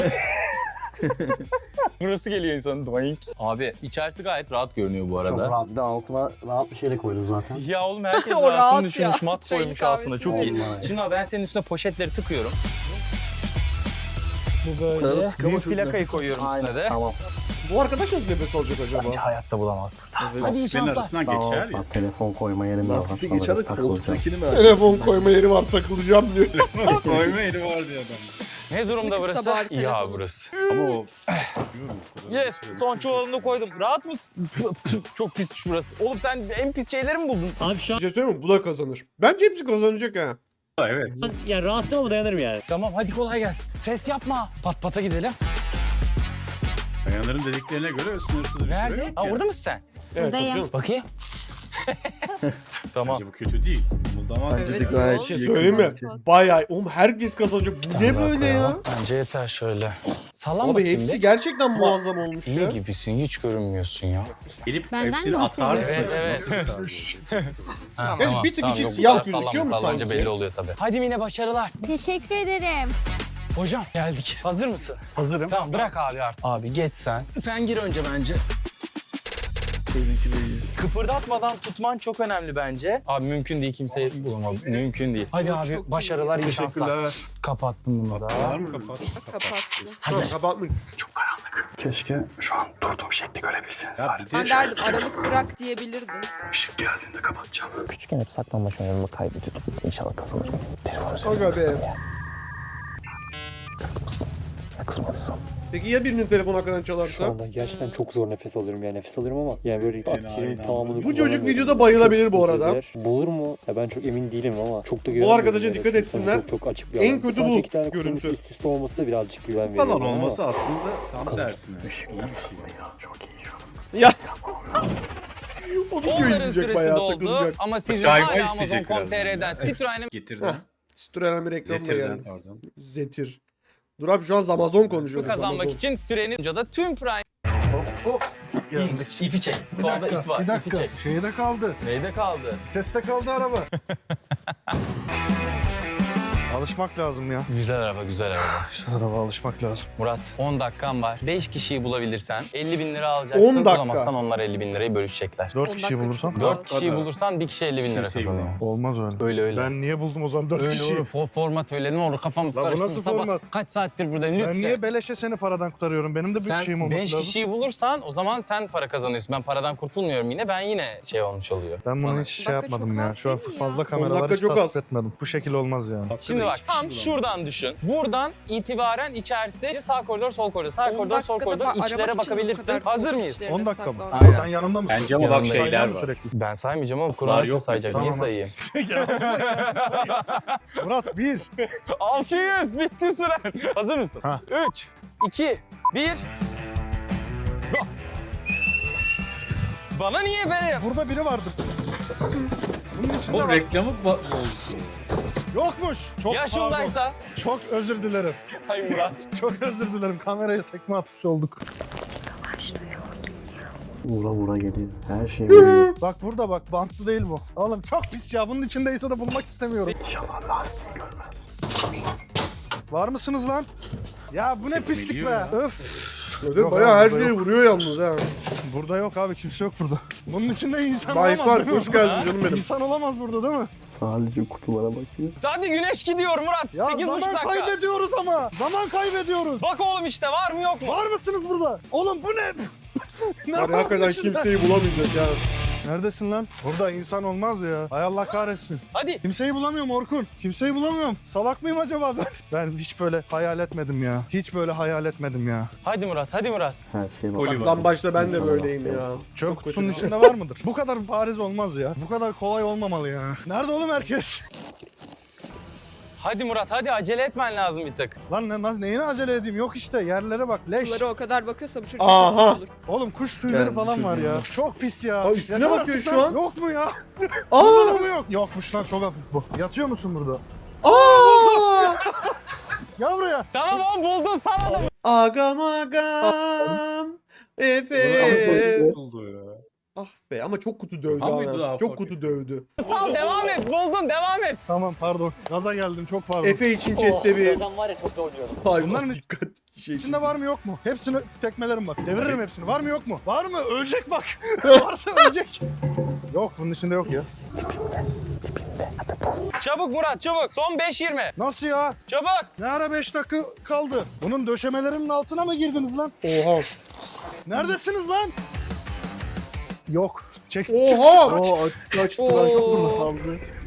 [SPEAKER 6] Burası geliyor insanın doink. Abi içerisi gayet rahat görünüyor bu
[SPEAKER 10] Çok
[SPEAKER 6] arada.
[SPEAKER 10] rahat. Bir de altına rahat bir şeyle koydum zaten.
[SPEAKER 6] Ya oğlum herkes
[SPEAKER 5] O rahat
[SPEAKER 6] rahatını
[SPEAKER 5] ya.
[SPEAKER 6] düşünmüş, mat
[SPEAKER 5] Çayın
[SPEAKER 6] koymuş altına. Çok iyi.
[SPEAKER 10] kahvesi.
[SPEAKER 6] Şimdi abi ben senin üstüne poşetleri tıkıyorum. Bu
[SPEAKER 4] Kadar
[SPEAKER 6] böyle.
[SPEAKER 4] tıkama
[SPEAKER 6] Büyük
[SPEAKER 4] çok
[SPEAKER 6] plakayı
[SPEAKER 4] nefes.
[SPEAKER 6] koyuyorum üstüne
[SPEAKER 10] Aynen.
[SPEAKER 6] de.
[SPEAKER 10] Tamam.
[SPEAKER 2] bu arkadaş nasıl nefes alacak acaba?
[SPEAKER 6] Bence hayatta bulamaz burada.
[SPEAKER 4] Evet.
[SPEAKER 6] Hadi iyi
[SPEAKER 3] Senin
[SPEAKER 6] şanslar.
[SPEAKER 3] arasından
[SPEAKER 10] Tamam.
[SPEAKER 3] geçer ya.
[SPEAKER 10] Bak, telefon koyma yerim de var.
[SPEAKER 4] Lastik
[SPEAKER 10] Ona
[SPEAKER 4] geçer de
[SPEAKER 10] takılacağım.
[SPEAKER 4] koltuktakini merak
[SPEAKER 2] Telefon koyma yeri var takılacağım diyor.
[SPEAKER 3] Koyma eli var diye adam.
[SPEAKER 6] Ne durumda burası?
[SPEAKER 5] Sabah
[SPEAKER 6] İyi abi
[SPEAKER 5] telefonu.
[SPEAKER 6] burası.
[SPEAKER 3] Ama o...
[SPEAKER 6] Yes, son çuvalını koydum. Rahat mısın? Çok pismiş burası. Oğlum sen en pis şeyleri mi buldun?
[SPEAKER 9] Abi şu an
[SPEAKER 2] Bir şey söyleyeyim mi? Bu da kazanır. Bence hepsi kazanacak ha.
[SPEAKER 3] Evet.
[SPEAKER 9] ya rahatsız ol dayanırım yani.
[SPEAKER 6] Tamam hadi kolay gelsin. Ses yapma. Pat pata gidelim.
[SPEAKER 3] Bayanların dediklerine göre sınırsız bir süre
[SPEAKER 6] Nerede?
[SPEAKER 3] yok
[SPEAKER 6] Aa,
[SPEAKER 3] ya.
[SPEAKER 6] orada mısın sen?
[SPEAKER 2] Evet,
[SPEAKER 8] Buradayım.
[SPEAKER 2] tabii canım.
[SPEAKER 6] Bakayım. Tamam.
[SPEAKER 3] Bence bu kötü değil. Muldama
[SPEAKER 4] Bence de
[SPEAKER 5] Evet,
[SPEAKER 4] gayet
[SPEAKER 5] iyi
[SPEAKER 2] Bir şey
[SPEAKER 4] iyi.
[SPEAKER 2] söyleyeyim mi?
[SPEAKER 4] kazanacak.
[SPEAKER 2] Bayağı. Oğlum herkes kazanacak. Bu ne
[SPEAKER 6] Daha
[SPEAKER 2] böyle ya?
[SPEAKER 6] koyalım. Bence yeter şöyle. Sallan
[SPEAKER 2] Abi
[SPEAKER 6] bakayım
[SPEAKER 2] hepsi
[SPEAKER 6] bir.
[SPEAKER 2] gerçekten muazzam olmuş
[SPEAKER 6] İyi
[SPEAKER 2] ya.
[SPEAKER 6] gibisin. Hiç görünmüyorsun ya.
[SPEAKER 3] Gelip
[SPEAKER 8] Benden
[SPEAKER 3] hepsini
[SPEAKER 8] mi
[SPEAKER 3] atarsın.
[SPEAKER 6] bahsediyorsun? Evet,
[SPEAKER 3] Nasıl atarsın?
[SPEAKER 6] Ha,
[SPEAKER 2] Gerçi bir tık içi
[SPEAKER 6] yok, bu
[SPEAKER 2] siyah
[SPEAKER 6] kadar
[SPEAKER 2] gözüküyor
[SPEAKER 6] sallanma,
[SPEAKER 2] mu
[SPEAKER 6] sallanınca
[SPEAKER 2] sanki?
[SPEAKER 6] belli oluyor tabii. Hadi Mine başarılar.
[SPEAKER 8] Teşekkür ederim.
[SPEAKER 6] Hocam geldik. Hazır mısın?
[SPEAKER 7] Hazırım.
[SPEAKER 6] Tamam bırak abi artık. Abi geç sen. Sen gir önce bence.
[SPEAKER 4] Seninki de iyi.
[SPEAKER 6] Kıpırdatmadan tutman çok önemli bence. Abi mümkün değil kimseyi bulamam. Mümkün değil. Hadi abi başarılar, iyi şanslar. Kapattım bunu da.
[SPEAKER 3] Var mı kapat?
[SPEAKER 5] Kapattı.
[SPEAKER 2] Tamam, kapatmış.
[SPEAKER 7] Keşke şu an durduğum şekli görebilseniz.
[SPEAKER 3] Ya bir de
[SPEAKER 5] Ben derdim aralık bırak diyebilirdin.
[SPEAKER 7] Işık geldiğinde kapatacağım.
[SPEAKER 10] Küçükken hep saklanmaç oyunlarımı kaybediyordum. İnşallah kazanırım. Telefonu
[SPEAKER 2] Aga
[SPEAKER 10] sesini
[SPEAKER 2] be.
[SPEAKER 10] kıstım ya.
[SPEAKER 2] Peki ya birinin telefonu hakikaten
[SPEAKER 11] Şu
[SPEAKER 2] çalarsa?
[SPEAKER 11] anda gerçekten çok zor nefes alıyorum yani nefes alıyorum ama yani böyle akciğerimin tamamını
[SPEAKER 2] Bu çocuk
[SPEAKER 11] kullanamıyorum.
[SPEAKER 2] videoda bayılabilir bu
[SPEAKER 11] Çok
[SPEAKER 2] arada.
[SPEAKER 11] kötüler. Bulur mu? Ya ben çok emin değilim ama çok da
[SPEAKER 2] Bu
[SPEAKER 11] güvenmiyorum.
[SPEAKER 2] arkadaşa
[SPEAKER 11] yani.
[SPEAKER 2] dikkat
[SPEAKER 11] Çünkü
[SPEAKER 2] etsinler.
[SPEAKER 11] Çok, çok açık bir
[SPEAKER 2] En
[SPEAKER 11] alan.
[SPEAKER 2] kötü
[SPEAKER 11] Sadece
[SPEAKER 2] bu
[SPEAKER 11] iki tane kutunun
[SPEAKER 2] görüntü.
[SPEAKER 11] Üst üste olması da birazcık güven
[SPEAKER 3] Bu kadar
[SPEAKER 11] veriyor. ama-
[SPEAKER 3] olması aslında tam tersine.
[SPEAKER 2] Ya. O video
[SPEAKER 6] Onların
[SPEAKER 2] izleyecek
[SPEAKER 6] süresi
[SPEAKER 2] bayağı
[SPEAKER 6] doldu
[SPEAKER 2] takılacak.
[SPEAKER 6] ama sizin
[SPEAKER 3] Galiba
[SPEAKER 6] hala Amazon
[SPEAKER 3] isteyecek
[SPEAKER 6] nokta com nokta tr'den
[SPEAKER 3] birazdan.
[SPEAKER 6] Citroen'e
[SPEAKER 3] Getirden.
[SPEAKER 2] Stüren bir reklamla
[SPEAKER 3] Zetirden
[SPEAKER 2] geldi.
[SPEAKER 3] pardon.
[SPEAKER 2] Zetir. Dur abi şu an Amazon konuşuyoruz.
[SPEAKER 6] kazanmak
[SPEAKER 2] Amazon.
[SPEAKER 6] için sürenin da tüm Prime.
[SPEAKER 10] Geldik.
[SPEAKER 6] İpi çek. Solda ip var.
[SPEAKER 10] Bir
[SPEAKER 6] İpi
[SPEAKER 10] dakika.
[SPEAKER 6] çek.
[SPEAKER 10] Şeyde kaldı.
[SPEAKER 6] Neyde kaldı?
[SPEAKER 10] Viteste kaldı araba. Alışmak lazım ya.
[SPEAKER 6] Güzel araba, güzel araba.
[SPEAKER 10] Şu araba alışmak lazım.
[SPEAKER 6] Murat, on dakikan var. beş kişiyi bulabilirsen elli bin lira alacaksın.
[SPEAKER 2] on dakika.
[SPEAKER 6] Bulamazsan onlar elli bin lirayı bölüşecekler.
[SPEAKER 10] Dört kişi bulursam?
[SPEAKER 6] dört kişiyi bulursan bir kişi elli bin lira
[SPEAKER 3] Kimseyi
[SPEAKER 6] kazanıyor.
[SPEAKER 3] bulamam.
[SPEAKER 10] Olmaz öyle.
[SPEAKER 6] Öyle öyle.
[SPEAKER 10] Ben niye buldum o zaman dört
[SPEAKER 6] Öyle
[SPEAKER 10] kişiyi?
[SPEAKER 6] olur. For, format öyle ne olur kafamız
[SPEAKER 10] Lan bu
[SPEAKER 6] karıştı.
[SPEAKER 10] nasıl
[SPEAKER 6] Sabah
[SPEAKER 10] format?
[SPEAKER 6] kaç saattir buradayım lütfen.
[SPEAKER 10] Ben niye beleşe seni paradan kurtarıyorum? Benim de bir şeyim
[SPEAKER 6] Sen
[SPEAKER 10] olması
[SPEAKER 6] beş
[SPEAKER 10] lazım.
[SPEAKER 6] kişiyi bulursan o zaman sen para kazanıyorsun. Ben paradan kurtulmuyorum yine. Ben yine şey olmuş oluyor.
[SPEAKER 10] Ben bunu
[SPEAKER 6] Bana.
[SPEAKER 10] hiç şey yapmadım ya. Şu an fazla
[SPEAKER 2] On
[SPEAKER 10] kameralar
[SPEAKER 2] dakika
[SPEAKER 10] hiç
[SPEAKER 2] çok
[SPEAKER 10] tasvip
[SPEAKER 2] az.
[SPEAKER 10] etmedim. Bu şekil olmaz yani.
[SPEAKER 6] Şimdi bak tam şuradan düşün. Buradan itibaren içerisi sağ koridor, sol koridor, sağ koridor, sol koridor. İçlere bakabilirsin. Hazır mıyız?
[SPEAKER 10] on dakika mı?
[SPEAKER 6] Aynen.
[SPEAKER 10] Sen yanımda mısın?
[SPEAKER 3] Bence ama bak
[SPEAKER 6] Yanındayım.
[SPEAKER 3] şeyler
[SPEAKER 10] Sayıyor mu
[SPEAKER 3] var.
[SPEAKER 10] sürekli?
[SPEAKER 6] Ben saymayacağım ama
[SPEAKER 3] Kur'an
[SPEAKER 6] Kur'an
[SPEAKER 3] yok
[SPEAKER 6] sayacak.
[SPEAKER 10] mesela.
[SPEAKER 6] Niye
[SPEAKER 10] Tamam.
[SPEAKER 6] sayayım?
[SPEAKER 10] Murat bir.
[SPEAKER 6] altı yüz bitti süren. Hazır mısın?
[SPEAKER 10] Ha.
[SPEAKER 6] üç, iki, bir. Go. Bana niye be?
[SPEAKER 10] Burada biri vardı. Bunun içinde
[SPEAKER 3] Bu
[SPEAKER 10] var.
[SPEAKER 3] reklamı ba-
[SPEAKER 10] Yokmuş. Çok
[SPEAKER 6] Yaşındaysa.
[SPEAKER 10] pardon. Çok özür dilerim.
[SPEAKER 6] Hay Murat.
[SPEAKER 10] Çok özür dilerim. Kameraya tekme atmış olduk.
[SPEAKER 11] Vura vura geliyor. Her şey vuruyor.
[SPEAKER 10] Bak burada bak. Bantlı değil bu. Oğlum çok pis ya. Bunun içindeyse de bulmak istemiyorum.
[SPEAKER 11] İnşallah lastiği görmez.
[SPEAKER 10] Var mısınız lan? Ya bu ne
[SPEAKER 3] Tekme
[SPEAKER 10] pislik
[SPEAKER 3] giyiyor
[SPEAKER 10] be.
[SPEAKER 3] ya.
[SPEAKER 10] Öf.
[SPEAKER 2] Zaten
[SPEAKER 10] Yok
[SPEAKER 2] bayağı
[SPEAKER 10] abi,
[SPEAKER 2] her
[SPEAKER 10] burada
[SPEAKER 2] şeyi
[SPEAKER 10] yok.
[SPEAKER 2] vuruyor yalnız ha.
[SPEAKER 10] Burada yok abi. Kimse yok burada. Bunun içinde insan olamaz
[SPEAKER 2] Bayfar
[SPEAKER 10] değil mi?
[SPEAKER 2] hoş geldin canım benim.
[SPEAKER 10] İnsan olamaz burada değil mi?
[SPEAKER 11] Sadece kutulara bakıyor.
[SPEAKER 6] Hadi güneş gidiyor Murat.
[SPEAKER 10] Ya
[SPEAKER 6] sekiz buçuk
[SPEAKER 10] zaman
[SPEAKER 6] dakika.
[SPEAKER 10] kaybediyoruz ama. Zaman kaybediyoruz.
[SPEAKER 6] Bak oğlum işte var mı yok mu?
[SPEAKER 10] Var mısınız burada? Oğlum bu ne? Ne
[SPEAKER 2] Var
[SPEAKER 10] var
[SPEAKER 2] ya, hakikaten
[SPEAKER 10] bunun içinde?
[SPEAKER 2] kimseyi bulamayacak ya.
[SPEAKER 10] Neredesin lan? Burada insan olmaz ya. Hay Allah kahretsin.
[SPEAKER 6] Hadi.
[SPEAKER 10] Kimseyi bulamıyorum Orkun. Kimseyi bulamıyorum. Salak mıyım acaba ben? Ben hiç böyle hayal etmedim ya. Hiç böyle hayal etmedim ya.
[SPEAKER 6] Hadi Murat, hadi Murat.
[SPEAKER 11] Her şey var.
[SPEAKER 3] Oliver.
[SPEAKER 2] Lan başta ben de böyleyim ya.
[SPEAKER 10] Çöp kutusunun içinde var mıdır? Bu kadar bariz olmaz ya. Bu kadar kolay olmamalı ya. Nerede oğlum herkes?
[SPEAKER 6] Hadi Murat, hadi acele etmen lazım bir tık.
[SPEAKER 10] Lan ne, na- neyine acele edeyim? Yok işte yerlere bak. Leş.
[SPEAKER 5] Kutulara o kadar bakıyorsa bu çocuk
[SPEAKER 2] Aha.
[SPEAKER 5] olur.
[SPEAKER 10] Oğlum kuş tüyleri
[SPEAKER 2] Geldi
[SPEAKER 10] falan var
[SPEAKER 2] çocuğum.
[SPEAKER 10] ya. Çok pis ya.
[SPEAKER 2] Aa, üstüne
[SPEAKER 10] Yeter
[SPEAKER 2] bakıyor
[SPEAKER 10] artık
[SPEAKER 2] şu
[SPEAKER 10] lan.
[SPEAKER 2] an.
[SPEAKER 10] Yok mu ya?
[SPEAKER 2] Aa!
[SPEAKER 10] Burada da mı yok? Yokmuş lan çok hafif bu. Yatıyor musun burada?
[SPEAKER 2] Aa!
[SPEAKER 10] Gel buraya.
[SPEAKER 6] Tamam oğlum buldun sana da.
[SPEAKER 2] Agam agam. Efe.
[SPEAKER 3] oldu ya.
[SPEAKER 2] Ah be ama çok kutu dövdü
[SPEAKER 3] Aha mıydı
[SPEAKER 2] ama.
[SPEAKER 3] daha
[SPEAKER 2] Çok
[SPEAKER 3] fark
[SPEAKER 2] kutu
[SPEAKER 3] ettim.
[SPEAKER 2] dövdü.
[SPEAKER 6] Sal devam et, buldun devam et.
[SPEAKER 10] Tamam pardon. Gaza geldim çok pardon.
[SPEAKER 2] Efe için chatte bir.
[SPEAKER 5] var ya çok zorluyorum.
[SPEAKER 2] Hayır
[SPEAKER 10] Bunların
[SPEAKER 2] dikkat şey.
[SPEAKER 10] İçinde var mı yok mu? Hepsini tekmelerim bak. Deviririm hepsini. Var mı yok mu? Var mı? Ölecek bak. Varsa ölecek. Yok bunun içinde yok ya.
[SPEAKER 6] Çabuk Murat çabuk. Son beş yirmi.
[SPEAKER 10] Nasıl ya?
[SPEAKER 6] Çabuk.
[SPEAKER 10] Ne ara beş dakika kaldı? Bunun döşemelerinin altına mı girdiniz lan?
[SPEAKER 2] Oha.
[SPEAKER 10] Neredesiniz lan? Yok. Çek,
[SPEAKER 2] Oha!
[SPEAKER 10] çık, çık, kaç.
[SPEAKER 2] Kaçtı
[SPEAKER 5] Oo.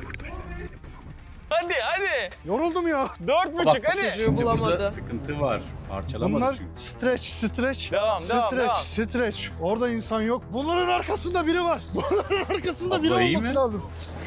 [SPEAKER 6] Hadi hadi.
[SPEAKER 10] Yoruldum ya.
[SPEAKER 6] Dört buçuk hadi.
[SPEAKER 5] Çocuğu
[SPEAKER 3] Şimdi burada
[SPEAKER 5] bulamadı.
[SPEAKER 3] sıkıntı var. Parçalamadı
[SPEAKER 10] Bunlar
[SPEAKER 3] çünkü.
[SPEAKER 10] stretch, stretch.
[SPEAKER 6] Devam, devam,
[SPEAKER 10] stretch,
[SPEAKER 6] devam.
[SPEAKER 10] stretch. Orada insan yok. Bunların arkasında biri var. Bunların arkasında biri
[SPEAKER 3] Abla iyi
[SPEAKER 10] olması
[SPEAKER 3] mi?
[SPEAKER 10] lazım.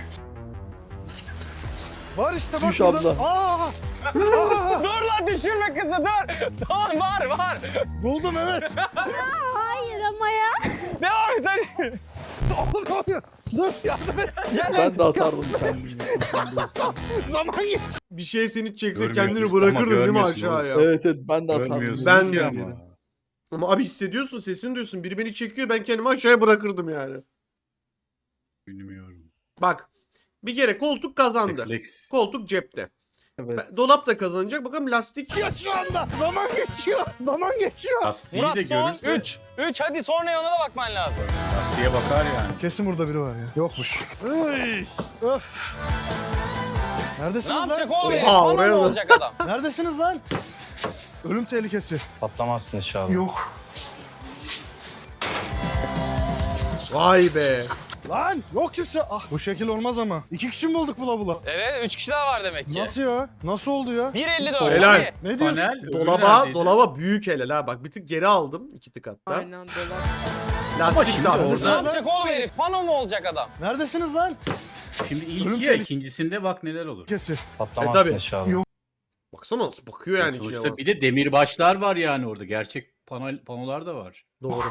[SPEAKER 10] Var işte bak
[SPEAKER 2] Düş
[SPEAKER 10] burada.
[SPEAKER 2] abla.
[SPEAKER 10] Aa! Aa!
[SPEAKER 6] Dur lan düşürme kızı dur. Tamam var var.
[SPEAKER 10] Buldum evet.
[SPEAKER 8] Hayır ama ya.
[SPEAKER 6] Devam et hadi.
[SPEAKER 10] Oğlum ne oluyor? Dur yardım et.
[SPEAKER 6] Gel
[SPEAKER 4] Ben de atardım kendimi.
[SPEAKER 10] Zaman geç.
[SPEAKER 2] Bir şey seni çekse
[SPEAKER 3] Görmüyorsun
[SPEAKER 2] kendini
[SPEAKER 3] ama
[SPEAKER 2] bırakırdın değil mi
[SPEAKER 3] görmüyorsun
[SPEAKER 2] aşağıya?
[SPEAKER 4] Evet evet ben de atardım.
[SPEAKER 3] Görmüyorsun
[SPEAKER 2] Ben
[SPEAKER 3] ki
[SPEAKER 2] de.
[SPEAKER 3] ama.
[SPEAKER 2] Ama abi hissediyorsun, sesini duyuyorsun. Biri beni çekiyor, ben kendimi aşağıya bırakırdım yani.
[SPEAKER 3] Bilmiyorum.
[SPEAKER 2] Bak, bir kere koltuk kazandı.
[SPEAKER 3] Refleks.
[SPEAKER 2] Koltuk cepte.
[SPEAKER 4] Evet.
[SPEAKER 2] Ben- Dolap da kazanacak. Bakalım lastik.
[SPEAKER 10] Geçiyor şu anda. Zaman geçiyor. Zaman geçiyor.
[SPEAKER 3] Lastiği
[SPEAKER 6] Murat
[SPEAKER 3] de
[SPEAKER 6] son
[SPEAKER 3] görürse
[SPEAKER 6] üç. üç hadi sonra yana da bakman lazım.
[SPEAKER 3] lastiğe bakar yani.
[SPEAKER 10] Kesin burada biri var ya. Yokmuş. Üy, öf.
[SPEAKER 6] Ne
[SPEAKER 10] Neredesiniz lan?
[SPEAKER 6] yapacak oğlum herif?
[SPEAKER 2] Oha,
[SPEAKER 6] Bana
[SPEAKER 2] oraya
[SPEAKER 6] mı
[SPEAKER 2] da.
[SPEAKER 6] olacak adam?
[SPEAKER 10] Neredesiniz lan? Ölüm tehlikesi.
[SPEAKER 6] Patlamazsın inşallah.
[SPEAKER 10] Yok.
[SPEAKER 2] Vay be.
[SPEAKER 10] Lan yok kimse. Ah bu şekil olmaz ama. İki kişi mi bulduk bula bula?
[SPEAKER 6] Evet üç kişi daha var demek ki.
[SPEAKER 10] Nasıl ya? Nasıl oldu ya?
[SPEAKER 6] bir elli dört.
[SPEAKER 2] Helal.
[SPEAKER 6] Hadi.
[SPEAKER 10] Ne diyorsun?
[SPEAKER 3] Panel öbürü
[SPEAKER 2] Dolaba,
[SPEAKER 3] neredeydi?
[SPEAKER 2] dolaba büyük helal ha. Bak bir tık geri aldım. iki tık hatta.
[SPEAKER 5] Aynen dolap.
[SPEAKER 2] Lastik
[SPEAKER 3] şimdi
[SPEAKER 2] de
[SPEAKER 3] orada-
[SPEAKER 6] Ne
[SPEAKER 2] orada.
[SPEAKER 6] yapacak oğlum herif? Pano mu olacak adam?
[SPEAKER 10] Neredesiniz lan?
[SPEAKER 3] Şimdi
[SPEAKER 10] Ölüm
[SPEAKER 3] ilk ya
[SPEAKER 10] tehlikesi.
[SPEAKER 3] ikincisinde bak neler olur.
[SPEAKER 10] Kesin.
[SPEAKER 6] Patlamazsın
[SPEAKER 2] tabii.
[SPEAKER 6] inşallah.
[SPEAKER 2] Baksana nasıl bakıyor yani içine.
[SPEAKER 3] Sonuçta
[SPEAKER 2] bak.
[SPEAKER 3] bir de demirbaşlar var yani orada. Gerçek panel, panolar da var.
[SPEAKER 2] Doğru.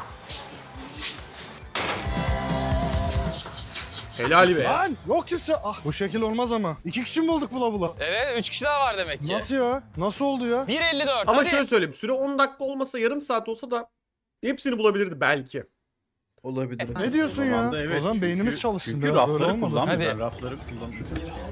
[SPEAKER 2] Helal be.
[SPEAKER 10] Lan yok kimse. Ah bu şekil olmaz ama. İki kişi mi bulduk bula bula?
[SPEAKER 6] Evet üç kişi daha var demek ki.
[SPEAKER 10] Nasıl ya? Nasıl oldu ya?
[SPEAKER 6] bir elli dört.
[SPEAKER 2] Ama
[SPEAKER 6] hadi.
[SPEAKER 2] şöyle söyleyeyim. Süre on dakika olmasa, yarım saat olsa da hepsini bulabilirdi belki.
[SPEAKER 4] Olabilir.
[SPEAKER 10] Ne diyorsun ya?
[SPEAKER 3] Zamanda evet,
[SPEAKER 10] o zaman
[SPEAKER 3] çünkü-
[SPEAKER 10] beynimiz çalışsın.
[SPEAKER 3] Çünkü
[SPEAKER 10] biraz, böyle
[SPEAKER 3] rafları
[SPEAKER 10] olmadı.
[SPEAKER 3] kullanmıyor.
[SPEAKER 6] Hadi.
[SPEAKER 3] Ben rafları kullanmıyorum.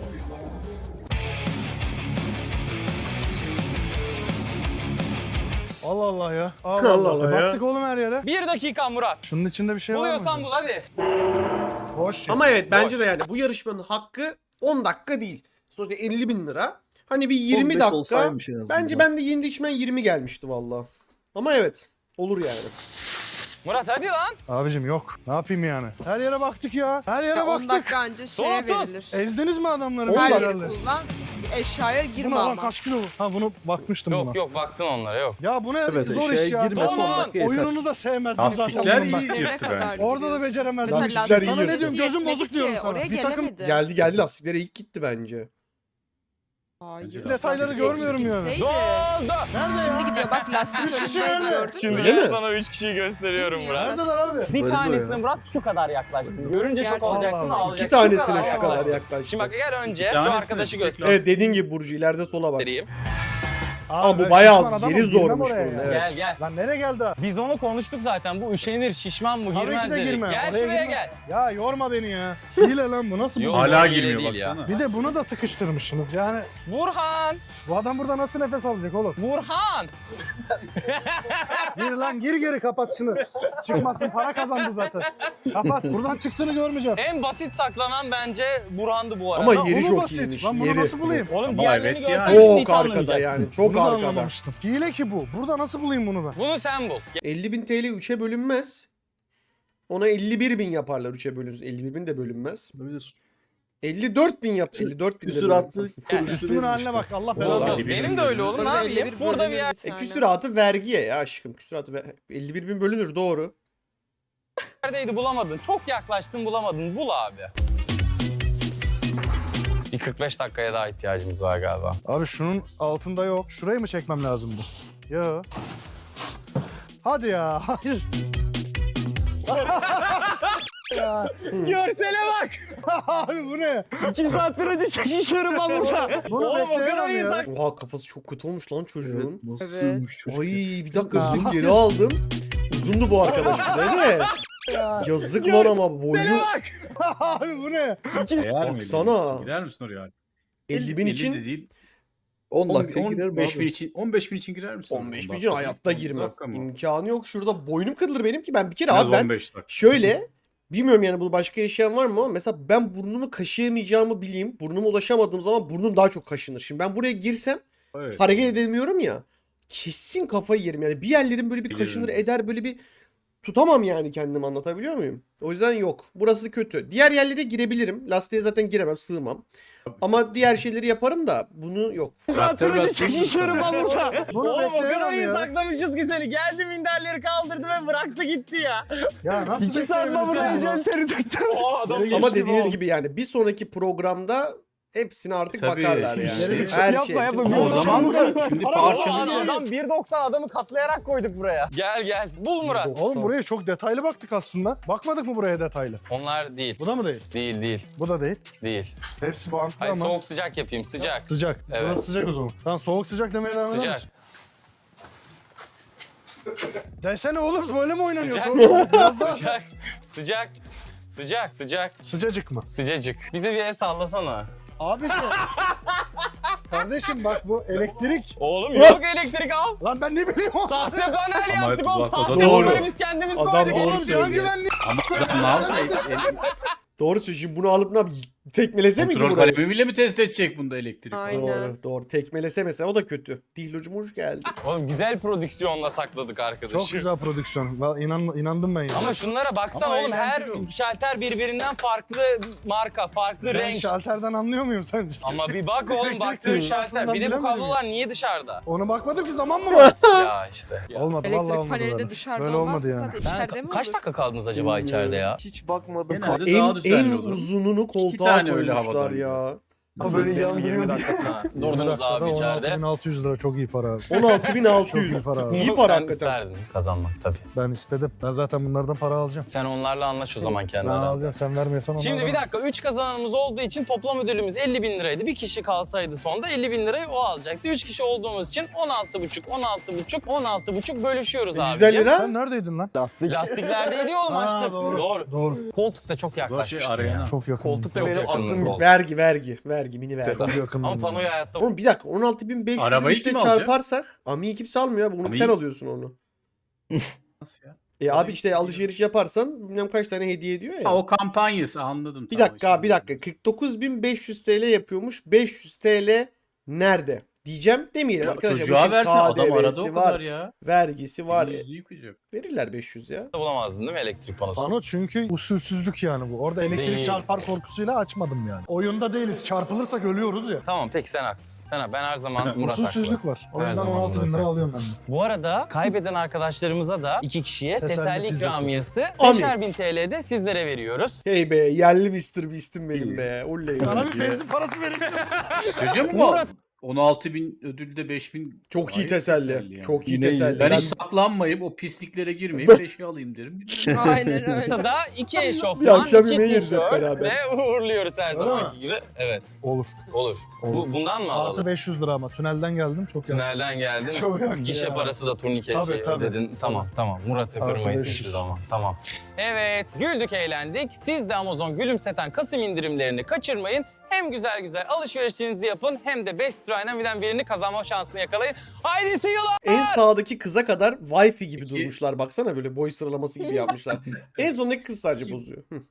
[SPEAKER 10] Allah Allah ya. Allah
[SPEAKER 2] Allah
[SPEAKER 10] Allah.
[SPEAKER 2] Allah ya.
[SPEAKER 10] Baktık oğlum her yere.
[SPEAKER 6] Bir dakika Murat.
[SPEAKER 10] Şunun içinde bir şey var mı?
[SPEAKER 6] Buluyorsan bul hadi.
[SPEAKER 10] Boş.
[SPEAKER 2] Ama evet bence
[SPEAKER 6] Boş.
[SPEAKER 2] de yani bu yarışmanın hakkı on dakika değil. Sonuçta elli bin lira. Hani bir yirmi
[SPEAKER 4] on beş
[SPEAKER 2] dakika.
[SPEAKER 4] olsaymış en azından.
[SPEAKER 2] Bence ben de yeni içmen yirmi gelmişti valla. Ama evet. Olur yani.
[SPEAKER 6] Murat hadi lan.
[SPEAKER 10] Abicim yok. Ne yapayım yani? Her yere baktık ya. Her yere
[SPEAKER 5] Ya on
[SPEAKER 10] baktık.
[SPEAKER 5] dakika önce
[SPEAKER 6] Son
[SPEAKER 5] şeye
[SPEAKER 6] otuz.
[SPEAKER 5] verilir.
[SPEAKER 10] Ezdiniz mi adamları?
[SPEAKER 2] On
[SPEAKER 5] Her
[SPEAKER 10] Her
[SPEAKER 2] dakika.
[SPEAKER 5] yeri
[SPEAKER 10] yerle.
[SPEAKER 5] kullan. Eşyaya
[SPEAKER 10] Bu
[SPEAKER 5] girme
[SPEAKER 10] ne lan
[SPEAKER 5] ama.
[SPEAKER 10] kaç kilo bu? Ha bunu bakmıştım buna.
[SPEAKER 6] Yok yok baktın onlara yok.
[SPEAKER 10] Ya bu ne
[SPEAKER 4] Evet,
[SPEAKER 10] zor
[SPEAKER 4] şeye
[SPEAKER 10] iş ya.
[SPEAKER 4] girme,
[SPEAKER 6] son
[SPEAKER 10] Tamam.
[SPEAKER 6] dakika
[SPEAKER 4] yeter.
[SPEAKER 10] Oyununu da sevmezdim zaten
[SPEAKER 3] Lastikler
[SPEAKER 10] bunun ben.
[SPEAKER 3] iyi
[SPEAKER 5] Ne
[SPEAKER 3] yırttı
[SPEAKER 5] kadar
[SPEAKER 3] bence.
[SPEAKER 10] Orada da beceremezdim.
[SPEAKER 5] Mesela
[SPEAKER 2] Lastikler iyi
[SPEAKER 10] Sana ne
[SPEAKER 2] yırttı.
[SPEAKER 10] diyorum gözüm
[SPEAKER 5] Yetmedi
[SPEAKER 10] bozuk diyorum
[SPEAKER 5] ki,
[SPEAKER 10] sana.
[SPEAKER 5] oraya
[SPEAKER 10] Bir takım
[SPEAKER 5] gelemedi.
[SPEAKER 2] Geldi geldi lastiklere ilk gitti bence.
[SPEAKER 5] Hayır.
[SPEAKER 10] detayları görmüyorum yani.
[SPEAKER 5] Gitseydi.
[SPEAKER 6] Doldu.
[SPEAKER 10] Nerede
[SPEAKER 5] Şimdi
[SPEAKER 10] ya?
[SPEAKER 5] gidiyor bak lastik
[SPEAKER 10] Üç kişi
[SPEAKER 5] önündeydi
[SPEAKER 10] nerede?
[SPEAKER 5] gördün
[SPEAKER 6] Şimdi
[SPEAKER 5] mü?
[SPEAKER 2] Öyle
[SPEAKER 6] ben
[SPEAKER 2] mi?
[SPEAKER 6] sana üç kişiyi gösteriyorum Murat.
[SPEAKER 10] Neredeler abi?
[SPEAKER 6] Bir
[SPEAKER 4] Böyle
[SPEAKER 6] tanesine
[SPEAKER 4] ya.
[SPEAKER 6] Murat şu kadar yaklaştın. Görünce şok
[SPEAKER 5] Gerçekten.
[SPEAKER 6] olacaksın
[SPEAKER 10] Allah Allah.
[SPEAKER 6] ağlayacaksın.
[SPEAKER 2] İki tanesine
[SPEAKER 6] kadar
[SPEAKER 2] şu kadar
[SPEAKER 6] yaklaştın.
[SPEAKER 2] yaklaştı.
[SPEAKER 6] Şimdi bak gel önce
[SPEAKER 3] İki
[SPEAKER 6] şu
[SPEAKER 3] tanesine
[SPEAKER 6] arkadaşı
[SPEAKER 3] tek
[SPEAKER 6] göster.
[SPEAKER 2] Evet dediğin gibi Burcu ileride sola bak.
[SPEAKER 6] Vereyim.
[SPEAKER 2] Ama bu
[SPEAKER 10] ben
[SPEAKER 2] bayağı
[SPEAKER 10] şişman adamım,
[SPEAKER 2] yeri
[SPEAKER 10] girmem
[SPEAKER 2] zormuş
[SPEAKER 10] oraya
[SPEAKER 2] bunun,
[SPEAKER 10] ya.
[SPEAKER 2] evet.
[SPEAKER 6] Gel gel.
[SPEAKER 10] Lan nereye geldi ha?
[SPEAKER 6] Biz onu konuştuk zaten. Bu üşenir, şişman mı
[SPEAKER 10] Tabii
[SPEAKER 6] girmez
[SPEAKER 10] ki de
[SPEAKER 6] dedik.
[SPEAKER 10] girmem.
[SPEAKER 6] Gel
[SPEAKER 10] Oraya
[SPEAKER 6] şuraya
[SPEAKER 10] girmem.
[SPEAKER 6] gel.
[SPEAKER 10] Ya yorma beni ya. Hile lan bu nasıl bu?
[SPEAKER 6] Yok.
[SPEAKER 3] Hala
[SPEAKER 6] Öyle
[SPEAKER 3] girmiyor
[SPEAKER 6] değil ya.
[SPEAKER 3] baksana.
[SPEAKER 10] Bir de bunu da tıkıştırmışsınız yani.
[SPEAKER 6] Burhan!
[SPEAKER 10] Bu adam burada nasıl nefes alacak oğlum?
[SPEAKER 6] Burhan!
[SPEAKER 10] Gir lan gir geri kapat şunu. Çıkmasın para kazandı zaten. Kapat buradan çıktığını görmeyeceğim.
[SPEAKER 6] En basit saklanan bence Burhan'dı bu arada.
[SPEAKER 2] Ama
[SPEAKER 10] Lan
[SPEAKER 2] yeri
[SPEAKER 10] onu
[SPEAKER 2] çok
[SPEAKER 10] basit.
[SPEAKER 2] iyiymiş.
[SPEAKER 10] Lan bunu
[SPEAKER 2] Yeri.
[SPEAKER 10] nasıl bulayım?
[SPEAKER 6] Oğlum
[SPEAKER 3] Ama
[SPEAKER 6] diğerlerini
[SPEAKER 3] evet ya.
[SPEAKER 6] görsen şimdi hiç
[SPEAKER 2] Çok arkada
[SPEAKER 6] anlamayacaksın.
[SPEAKER 2] yani. Çok
[SPEAKER 10] Bunu da
[SPEAKER 2] arkada.
[SPEAKER 10] anlamamıştım. Hile ki bu. Burada nasıl bulayım bunu ben?
[SPEAKER 6] Bunu sen bul.
[SPEAKER 2] elli bin T L üçe bölünmez. Ona elli bir bin yaparlar üçe bölünsün. elli bir bin de bölünmez.
[SPEAKER 4] Böyle
[SPEAKER 2] elli dört bin yap. elli dört bin de
[SPEAKER 4] küsuratlı
[SPEAKER 2] bölünmüş.
[SPEAKER 4] kurucu
[SPEAKER 10] Üstümün
[SPEAKER 4] değil
[SPEAKER 10] haline
[SPEAKER 4] işte.
[SPEAKER 10] bak Allah
[SPEAKER 3] Vallahi
[SPEAKER 10] belanı
[SPEAKER 3] elli
[SPEAKER 10] versin.
[SPEAKER 3] bir
[SPEAKER 6] Benim
[SPEAKER 3] bin
[SPEAKER 6] de öyle oğlum ne
[SPEAKER 5] Burada elli
[SPEAKER 6] yapayım?
[SPEAKER 5] bir
[SPEAKER 6] Burada bir
[SPEAKER 5] bölünür
[SPEAKER 6] yer.
[SPEAKER 5] bir
[SPEAKER 2] E
[SPEAKER 5] tane.
[SPEAKER 2] küsuratı vergiye ya aşkım. Küsuratı ver- elli bir bin bölünür doğru.
[SPEAKER 6] Neredeydi bulamadın. Çok yaklaştın bulamadın. Bul abi. Bir kırk beş dakikaya daha ihtiyacımız var galiba.
[SPEAKER 10] Abi şunun altında yok. Şurayı mı çekmem lazım bu? Yo. Hadi ya. Hayır. Ya.
[SPEAKER 6] Görsele bak.
[SPEAKER 10] Abi bu ne?
[SPEAKER 6] İki saattir önce çekişiyorum ben burada.
[SPEAKER 10] Bunu
[SPEAKER 6] Oğlum o kadar
[SPEAKER 10] bekleyemem
[SPEAKER 6] iyi
[SPEAKER 10] ya.
[SPEAKER 6] sak-
[SPEAKER 2] Oha kafası çok kötü olmuş lan çocuğun.
[SPEAKER 4] Nasılmış çocuk?
[SPEAKER 2] Ay bir dakika dedim geri aldım. Uzundu bu arkadaş bir de değil mi? Yazık lan ama boyu
[SPEAKER 10] Abi bu ne?
[SPEAKER 3] Eğer mi?
[SPEAKER 2] Baksana.
[SPEAKER 3] Girer misin oraya?
[SPEAKER 2] elli bin
[SPEAKER 3] de
[SPEAKER 2] için
[SPEAKER 3] değil.
[SPEAKER 4] on
[SPEAKER 3] on
[SPEAKER 4] dakika girer mi
[SPEAKER 3] on beş bin
[SPEAKER 4] abi?
[SPEAKER 3] için on beş bin için girer misin?
[SPEAKER 2] on beş bin
[SPEAKER 3] On
[SPEAKER 2] için
[SPEAKER 3] dakika
[SPEAKER 2] hayatta
[SPEAKER 3] değil, on
[SPEAKER 2] girmem.
[SPEAKER 3] dakika mı?
[SPEAKER 2] İmkanı yok. Şurada boynum kırılır benim ki ben bir kere
[SPEAKER 3] En az
[SPEAKER 2] abi ben
[SPEAKER 3] on beş dakika.
[SPEAKER 2] şöyle bilmiyorum yani bunu başka yaşayan var mı ama mesela ben burnumu kaşıyamayacağımı bileyim. Burnuma ulaşamadığım zaman burnum daha çok kaşınır. Şimdi ben buraya girsem
[SPEAKER 3] Evet.
[SPEAKER 2] hareket edemiyorum ya. Kesin kafayı yerim yani. Bir yerlerim böyle bir
[SPEAKER 3] Bilirim.
[SPEAKER 2] kaşınır eder böyle bir tutamam yani kendimi anlatabiliyor muyum? O yüzden yok. Burası kötü. Diğer yerlere girebilirim. Lastiğe zaten giremem, sığmam. Ama diğer şeyleri yaparım da bunu yok.
[SPEAKER 3] Traktör lastiği
[SPEAKER 6] çekişiyorum ben burada.
[SPEAKER 10] Bunu
[SPEAKER 6] Oğlum o kadar
[SPEAKER 10] bekleyemem
[SPEAKER 6] iyi
[SPEAKER 10] ya.
[SPEAKER 6] saklamışız ki seni. Geldi minderleri kaldırdı ve bıraktı gitti ya.
[SPEAKER 10] Ya nasıl
[SPEAKER 6] İki saat ben buraya
[SPEAKER 10] bekleyebilirsin bunu?
[SPEAKER 6] teri taktım. O adam
[SPEAKER 10] Geri
[SPEAKER 2] Ama
[SPEAKER 10] geçtim
[SPEAKER 2] dediğiniz
[SPEAKER 10] oğlum.
[SPEAKER 2] gibi yani bir sonraki programda hepsine artık
[SPEAKER 3] Tabii,
[SPEAKER 2] bakarlar yani.
[SPEAKER 3] işleri-
[SPEAKER 2] Her
[SPEAKER 6] Yapma,
[SPEAKER 2] şey.
[SPEAKER 6] yapma.
[SPEAKER 3] Ama o zaman da şimdi
[SPEAKER 6] Adam
[SPEAKER 3] parçalayacak.
[SPEAKER 6] bir doksan adamı katlayarak koyduk buraya. Gel gel. Bul Murat.
[SPEAKER 10] Oğlum buraya çok detaylı baktık aslında. Bakmadık mı buraya detaylı?
[SPEAKER 6] Onlar değil.
[SPEAKER 10] Bu da mı değil?
[SPEAKER 6] Değil değil.
[SPEAKER 10] Bu da değil.
[SPEAKER 6] Değil.
[SPEAKER 10] Hepsi bantlı
[SPEAKER 6] Hayır
[SPEAKER 10] ama.
[SPEAKER 6] soğuk sıcak yapayım sıcak.
[SPEAKER 10] Sıcak.
[SPEAKER 6] Evet.
[SPEAKER 10] Burası sıcak o zaman. Tamam soğuk sıcak demeye devam eder
[SPEAKER 6] Sıcak.
[SPEAKER 10] misin? Desene oğlum böyle mi oynanıyor?
[SPEAKER 6] Sıcak.
[SPEAKER 10] Soğuk sıcak. Biraz daha.
[SPEAKER 6] Sıcak. Sıcak. Sıcak. Sıcak.
[SPEAKER 10] Sıcacık mı?
[SPEAKER 6] Sıcacık. Bize bir el sallasana.
[SPEAKER 10] Abiciğim. Kardeşim bak bu elektrik.
[SPEAKER 6] Oğlum yok elektrik al.
[SPEAKER 10] Lan ben ne bileyim o.
[SPEAKER 6] Sahte panel
[SPEAKER 3] Ama
[SPEAKER 6] yaptık oğlum.
[SPEAKER 3] bak, o da
[SPEAKER 6] Sahte
[SPEAKER 2] doğru.
[SPEAKER 6] paneli biz kendimiz
[SPEAKER 2] Adam
[SPEAKER 6] koyduk.
[SPEAKER 2] doğru
[SPEAKER 6] Oğlum,
[SPEAKER 10] Oğlum can
[SPEAKER 2] söylüyor.
[SPEAKER 10] güvenliği.
[SPEAKER 3] Ama adam ne yapsın? El- el-
[SPEAKER 2] Doğru söylüyorsun. Şimdi bunu alıp ne yapayım? Tekmelese miydi
[SPEAKER 3] Kontrol
[SPEAKER 2] burayı?
[SPEAKER 3] kalemi bile mi test edecek bunda elektrik?
[SPEAKER 5] Aynen.
[SPEAKER 2] Doğru doğru. Tekmelese mesela o da kötü. Dihlucum hoş geldi.
[SPEAKER 6] Oğlum güzel prodüksiyonla sakladık arkadaşı.
[SPEAKER 10] Çok güzel prodüksiyon. Ben inan, inandım ben ya.
[SPEAKER 6] Ama şunlara baksana
[SPEAKER 3] Ama
[SPEAKER 6] oğlum, her
[SPEAKER 3] eğlenceli olmuş.
[SPEAKER 6] şalter birbirinden farklı marka, farklı
[SPEAKER 10] Ben
[SPEAKER 6] renk.
[SPEAKER 10] şalterden anlıyor muyum sence?
[SPEAKER 6] Ama bir bak oğlum, baktığın
[SPEAKER 10] Elektrik
[SPEAKER 6] şalter.
[SPEAKER 10] şartından
[SPEAKER 6] Bir de bu
[SPEAKER 10] bilemedim
[SPEAKER 6] kablolar niye dışarıda?
[SPEAKER 10] Ona bakmadım ki, zaman mı var?
[SPEAKER 6] Ya işte.
[SPEAKER 10] Olmadı
[SPEAKER 5] Elektrik
[SPEAKER 10] vallahi olmadı
[SPEAKER 5] paneli de
[SPEAKER 10] böyle.
[SPEAKER 5] dışarıda
[SPEAKER 10] Böyle
[SPEAKER 5] olmaz
[SPEAKER 10] olmadı
[SPEAKER 5] mı?
[SPEAKER 10] yani.
[SPEAKER 5] Zaten
[SPEAKER 6] Sen
[SPEAKER 5] içeride
[SPEAKER 6] ka-
[SPEAKER 5] mi
[SPEAKER 6] kaç
[SPEAKER 5] olur?
[SPEAKER 6] dakika kaldınız acaba içeride ya?
[SPEAKER 4] Hiç bakmadım.
[SPEAKER 3] Genelde
[SPEAKER 2] En,
[SPEAKER 3] daha düzenli
[SPEAKER 2] en
[SPEAKER 3] olur.
[SPEAKER 2] uzununu koltuğa
[SPEAKER 3] tane öyle
[SPEAKER 2] koymuşlar
[SPEAKER 3] havadan
[SPEAKER 2] ya.
[SPEAKER 10] Ha, böyle yan giriyor.
[SPEAKER 6] Ha, Durdunuz abi içeride.
[SPEAKER 10] on altı bin altı yüz lira çok iyi para abi.
[SPEAKER 2] on altı bin altı
[SPEAKER 10] Çok
[SPEAKER 2] yüz.
[SPEAKER 10] iyi para abi.
[SPEAKER 2] İyi para
[SPEAKER 6] Sen
[SPEAKER 2] hakikaten.
[SPEAKER 6] isterdin kazanmak tabii.
[SPEAKER 10] Ben istedim. Ben zaten bunlardan para alacağım.
[SPEAKER 6] Sen onlarla anlaş o zaman kendi
[SPEAKER 10] Ben
[SPEAKER 6] aranda.
[SPEAKER 10] alacağım, sen vermiyorsan onlardan.
[SPEAKER 6] Şimdi bir dakika, üç kazananımız olduğu için toplam ödülümüz elli bin liraydı. Bir kişi kalsaydı sonda elli bin lirayı o alacaktı. Üç kişi olduğumuz için on altı buçuk, on altı buçuk, on altı buçuk bölüşüyoruz
[SPEAKER 2] yüzden
[SPEAKER 6] abicim.
[SPEAKER 2] lira.
[SPEAKER 10] Sen neredeydin lan?
[SPEAKER 6] Lastiklerdeydi oğlum
[SPEAKER 10] Ha,
[SPEAKER 6] açtık.
[SPEAKER 10] doğru.
[SPEAKER 6] Doğru.
[SPEAKER 10] Doğru.
[SPEAKER 6] Koltukta çok
[SPEAKER 3] Şey,
[SPEAKER 6] yaklaşmıştı
[SPEAKER 3] arayana.
[SPEAKER 6] ya.
[SPEAKER 10] Çok yakın.
[SPEAKER 6] Koltukta benim aklım
[SPEAKER 2] Vergi vergi. Vergi mini vergi.
[SPEAKER 10] Çok yakın.
[SPEAKER 6] Ama panoyu hayatta...
[SPEAKER 2] Oğlum bir dakika on altı bin beş yüz
[SPEAKER 3] Arabayı
[SPEAKER 2] işte
[SPEAKER 3] kim alacak?
[SPEAKER 2] çarparsak Ami'yi kimse almıyor abi. Bunu
[SPEAKER 3] Ami'yi-
[SPEAKER 2] sen alıyorsun onu.
[SPEAKER 3] Nasıl ya?
[SPEAKER 2] E abi
[SPEAKER 3] Arabayı
[SPEAKER 2] işte
[SPEAKER 3] kim
[SPEAKER 2] alışveriş yaparsan bilmem kaç tane hediye ediyor ya.
[SPEAKER 3] Ha, o kampanyası anladım.
[SPEAKER 2] Bir
[SPEAKER 3] tamam,
[SPEAKER 2] dakika
[SPEAKER 3] şimdi.
[SPEAKER 2] bir dakika kırk dokuz bin beş yüz T L yapıyormuş. beş yüz T L nerede? Diyeceğim demeyelim
[SPEAKER 3] Ya,
[SPEAKER 2] arkadaşlar. Bu
[SPEAKER 3] çocuğa
[SPEAKER 2] işin
[SPEAKER 3] versin, adam arada
[SPEAKER 2] K D V'si
[SPEAKER 3] o
[SPEAKER 2] var.
[SPEAKER 3] kadar ya.
[SPEAKER 2] Vergisi var.
[SPEAKER 3] Elini yüzünü yıkayacak.
[SPEAKER 2] Verirler beş yüz ya.
[SPEAKER 6] Bulamazdın değil mi elektrik panosu?
[SPEAKER 10] Pano çünkü usulsüzlük yani bu. Orada elektrik
[SPEAKER 6] Değil.
[SPEAKER 10] çarpar korkusuyla açmadım yani. Oyunda değiliz. Çarpılırsak ölüyoruz ya.
[SPEAKER 6] Tamam peki, sen haklısın. Sen, ben her zaman Murat haklı.
[SPEAKER 10] Usulsüzlük var. O
[SPEAKER 6] Her
[SPEAKER 10] yüzden
[SPEAKER 6] zaman
[SPEAKER 10] on altı bin
[SPEAKER 6] Murat
[SPEAKER 10] lira alıyorum ben de.
[SPEAKER 6] Bu arada kaybeden arkadaşlarımıza da iki kişiye
[SPEAKER 10] Teselli
[SPEAKER 6] teselli
[SPEAKER 10] pizzası.
[SPEAKER 6] ikramiyesi
[SPEAKER 2] Amin.
[SPEAKER 6] beşer bin T L'de sizlere veriyoruz.
[SPEAKER 2] Hey be yerli mister Beast'im benim be. Oley.
[SPEAKER 10] Bana bir benzin parası verin.
[SPEAKER 3] Çocuğa mı bu? on altı bin ödülde beş bin.
[SPEAKER 2] Çok iyi
[SPEAKER 3] Gayet
[SPEAKER 2] teselli.
[SPEAKER 3] yani.
[SPEAKER 2] Çok iyi
[SPEAKER 4] Yine iyi.
[SPEAKER 2] teselli.
[SPEAKER 3] Ben
[SPEAKER 2] Ben-
[SPEAKER 3] hiç saklanmayıp o pisliklere girmeyip beşi alayım derim.
[SPEAKER 5] Aynen öyle.
[SPEAKER 6] Da iki
[SPEAKER 2] Bir
[SPEAKER 6] eşofman,
[SPEAKER 2] akşam
[SPEAKER 6] iki
[SPEAKER 2] yemeği yeriz hep
[SPEAKER 6] tişört
[SPEAKER 2] beraber.
[SPEAKER 6] ve uğurluyoruz her
[SPEAKER 10] Öyle
[SPEAKER 6] zamanki
[SPEAKER 10] mi?
[SPEAKER 6] gibi. Evet,
[SPEAKER 10] Olur.
[SPEAKER 6] olur.
[SPEAKER 10] Olur.
[SPEAKER 6] Bu, bundan mı alalım?
[SPEAKER 10] Artı beş yüz lira ama tünelden geldim çok yakın.
[SPEAKER 6] Tünelden geldin.
[SPEAKER 10] Çok yakın
[SPEAKER 6] Gişe
[SPEAKER 10] ya.
[SPEAKER 6] parası da turnike
[SPEAKER 10] Tabii,
[SPEAKER 6] şey
[SPEAKER 10] tabii.
[SPEAKER 6] ödedin. Tamam tamam. Murat'ı
[SPEAKER 10] Artı
[SPEAKER 6] kırmayız
[SPEAKER 10] beş
[SPEAKER 6] hiçbir
[SPEAKER 10] yüz.
[SPEAKER 6] zaman. Tamam. Evet, güldük eğlendik. Siz de Amazon gülümseten Kasım indirimlerini kaçırmayın. Hem güzel güzel alışverişinizi yapın hem de Best Dynami'den birini kazanma şansını yakalayın. Haydi see you'lar!
[SPEAKER 2] En sağdaki kıza kadar Wi-Fi gibi
[SPEAKER 3] Peki.
[SPEAKER 2] durmuşlar. Baksana böyle boy sıralaması gibi yapmışlar. En sondaki kız sadece
[SPEAKER 3] Peki.
[SPEAKER 2] bozuyor. Hı.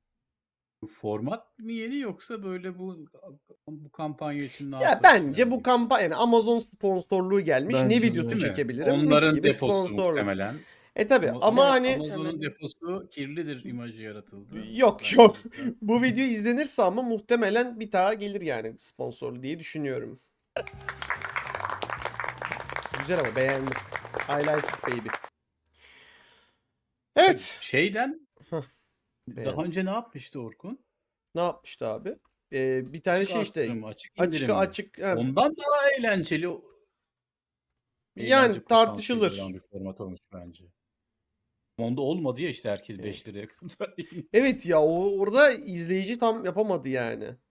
[SPEAKER 3] Bu format mı yeni yoksa böyle bu bu kampanya için ne
[SPEAKER 2] Ya
[SPEAKER 3] yapmak
[SPEAKER 2] bence
[SPEAKER 3] yani?
[SPEAKER 2] bu kampanya yani Amazon sponsorluğu gelmiş.
[SPEAKER 4] Bence
[SPEAKER 2] ne
[SPEAKER 4] de.
[SPEAKER 2] videosu
[SPEAKER 3] Değil mi?
[SPEAKER 2] çekebilirim? Mis
[SPEAKER 3] Onların
[SPEAKER 2] gibi
[SPEAKER 3] deposu
[SPEAKER 2] sponsorluk.
[SPEAKER 3] muhtemelen.
[SPEAKER 2] E tabi
[SPEAKER 3] Ama-
[SPEAKER 2] ama hani
[SPEAKER 3] Amazon'un deposu kirlidir imajı yaratıldı.
[SPEAKER 2] Yok,
[SPEAKER 3] Belki
[SPEAKER 2] yok.
[SPEAKER 3] biraz-
[SPEAKER 2] bu video izlenirse ama muhtemelen bir daha gelir yani sponsor diye düşünüyorum. Güzel ama beğendim. I like it baby. Evet.
[SPEAKER 3] Şeyden
[SPEAKER 2] Hah,
[SPEAKER 3] daha
[SPEAKER 2] beğendim.
[SPEAKER 3] önce ne yapmıştı Orkun?
[SPEAKER 2] Ne yapmıştı abi? Ee, bir tane
[SPEAKER 3] Açık
[SPEAKER 2] şey işte
[SPEAKER 3] arttırım, açık
[SPEAKER 2] açık
[SPEAKER 3] indirim mi?
[SPEAKER 2] açık ha,
[SPEAKER 3] Ondan daha eğlenceli. o-
[SPEAKER 2] Yani
[SPEAKER 3] eğlence
[SPEAKER 2] tartışılır.
[SPEAKER 3] potansiyeli olan bir format olmuş bence. Onda olmadı ya işte herkes beş liraya kadar.
[SPEAKER 2] evet ya o orada izleyici tam yapamadı yani.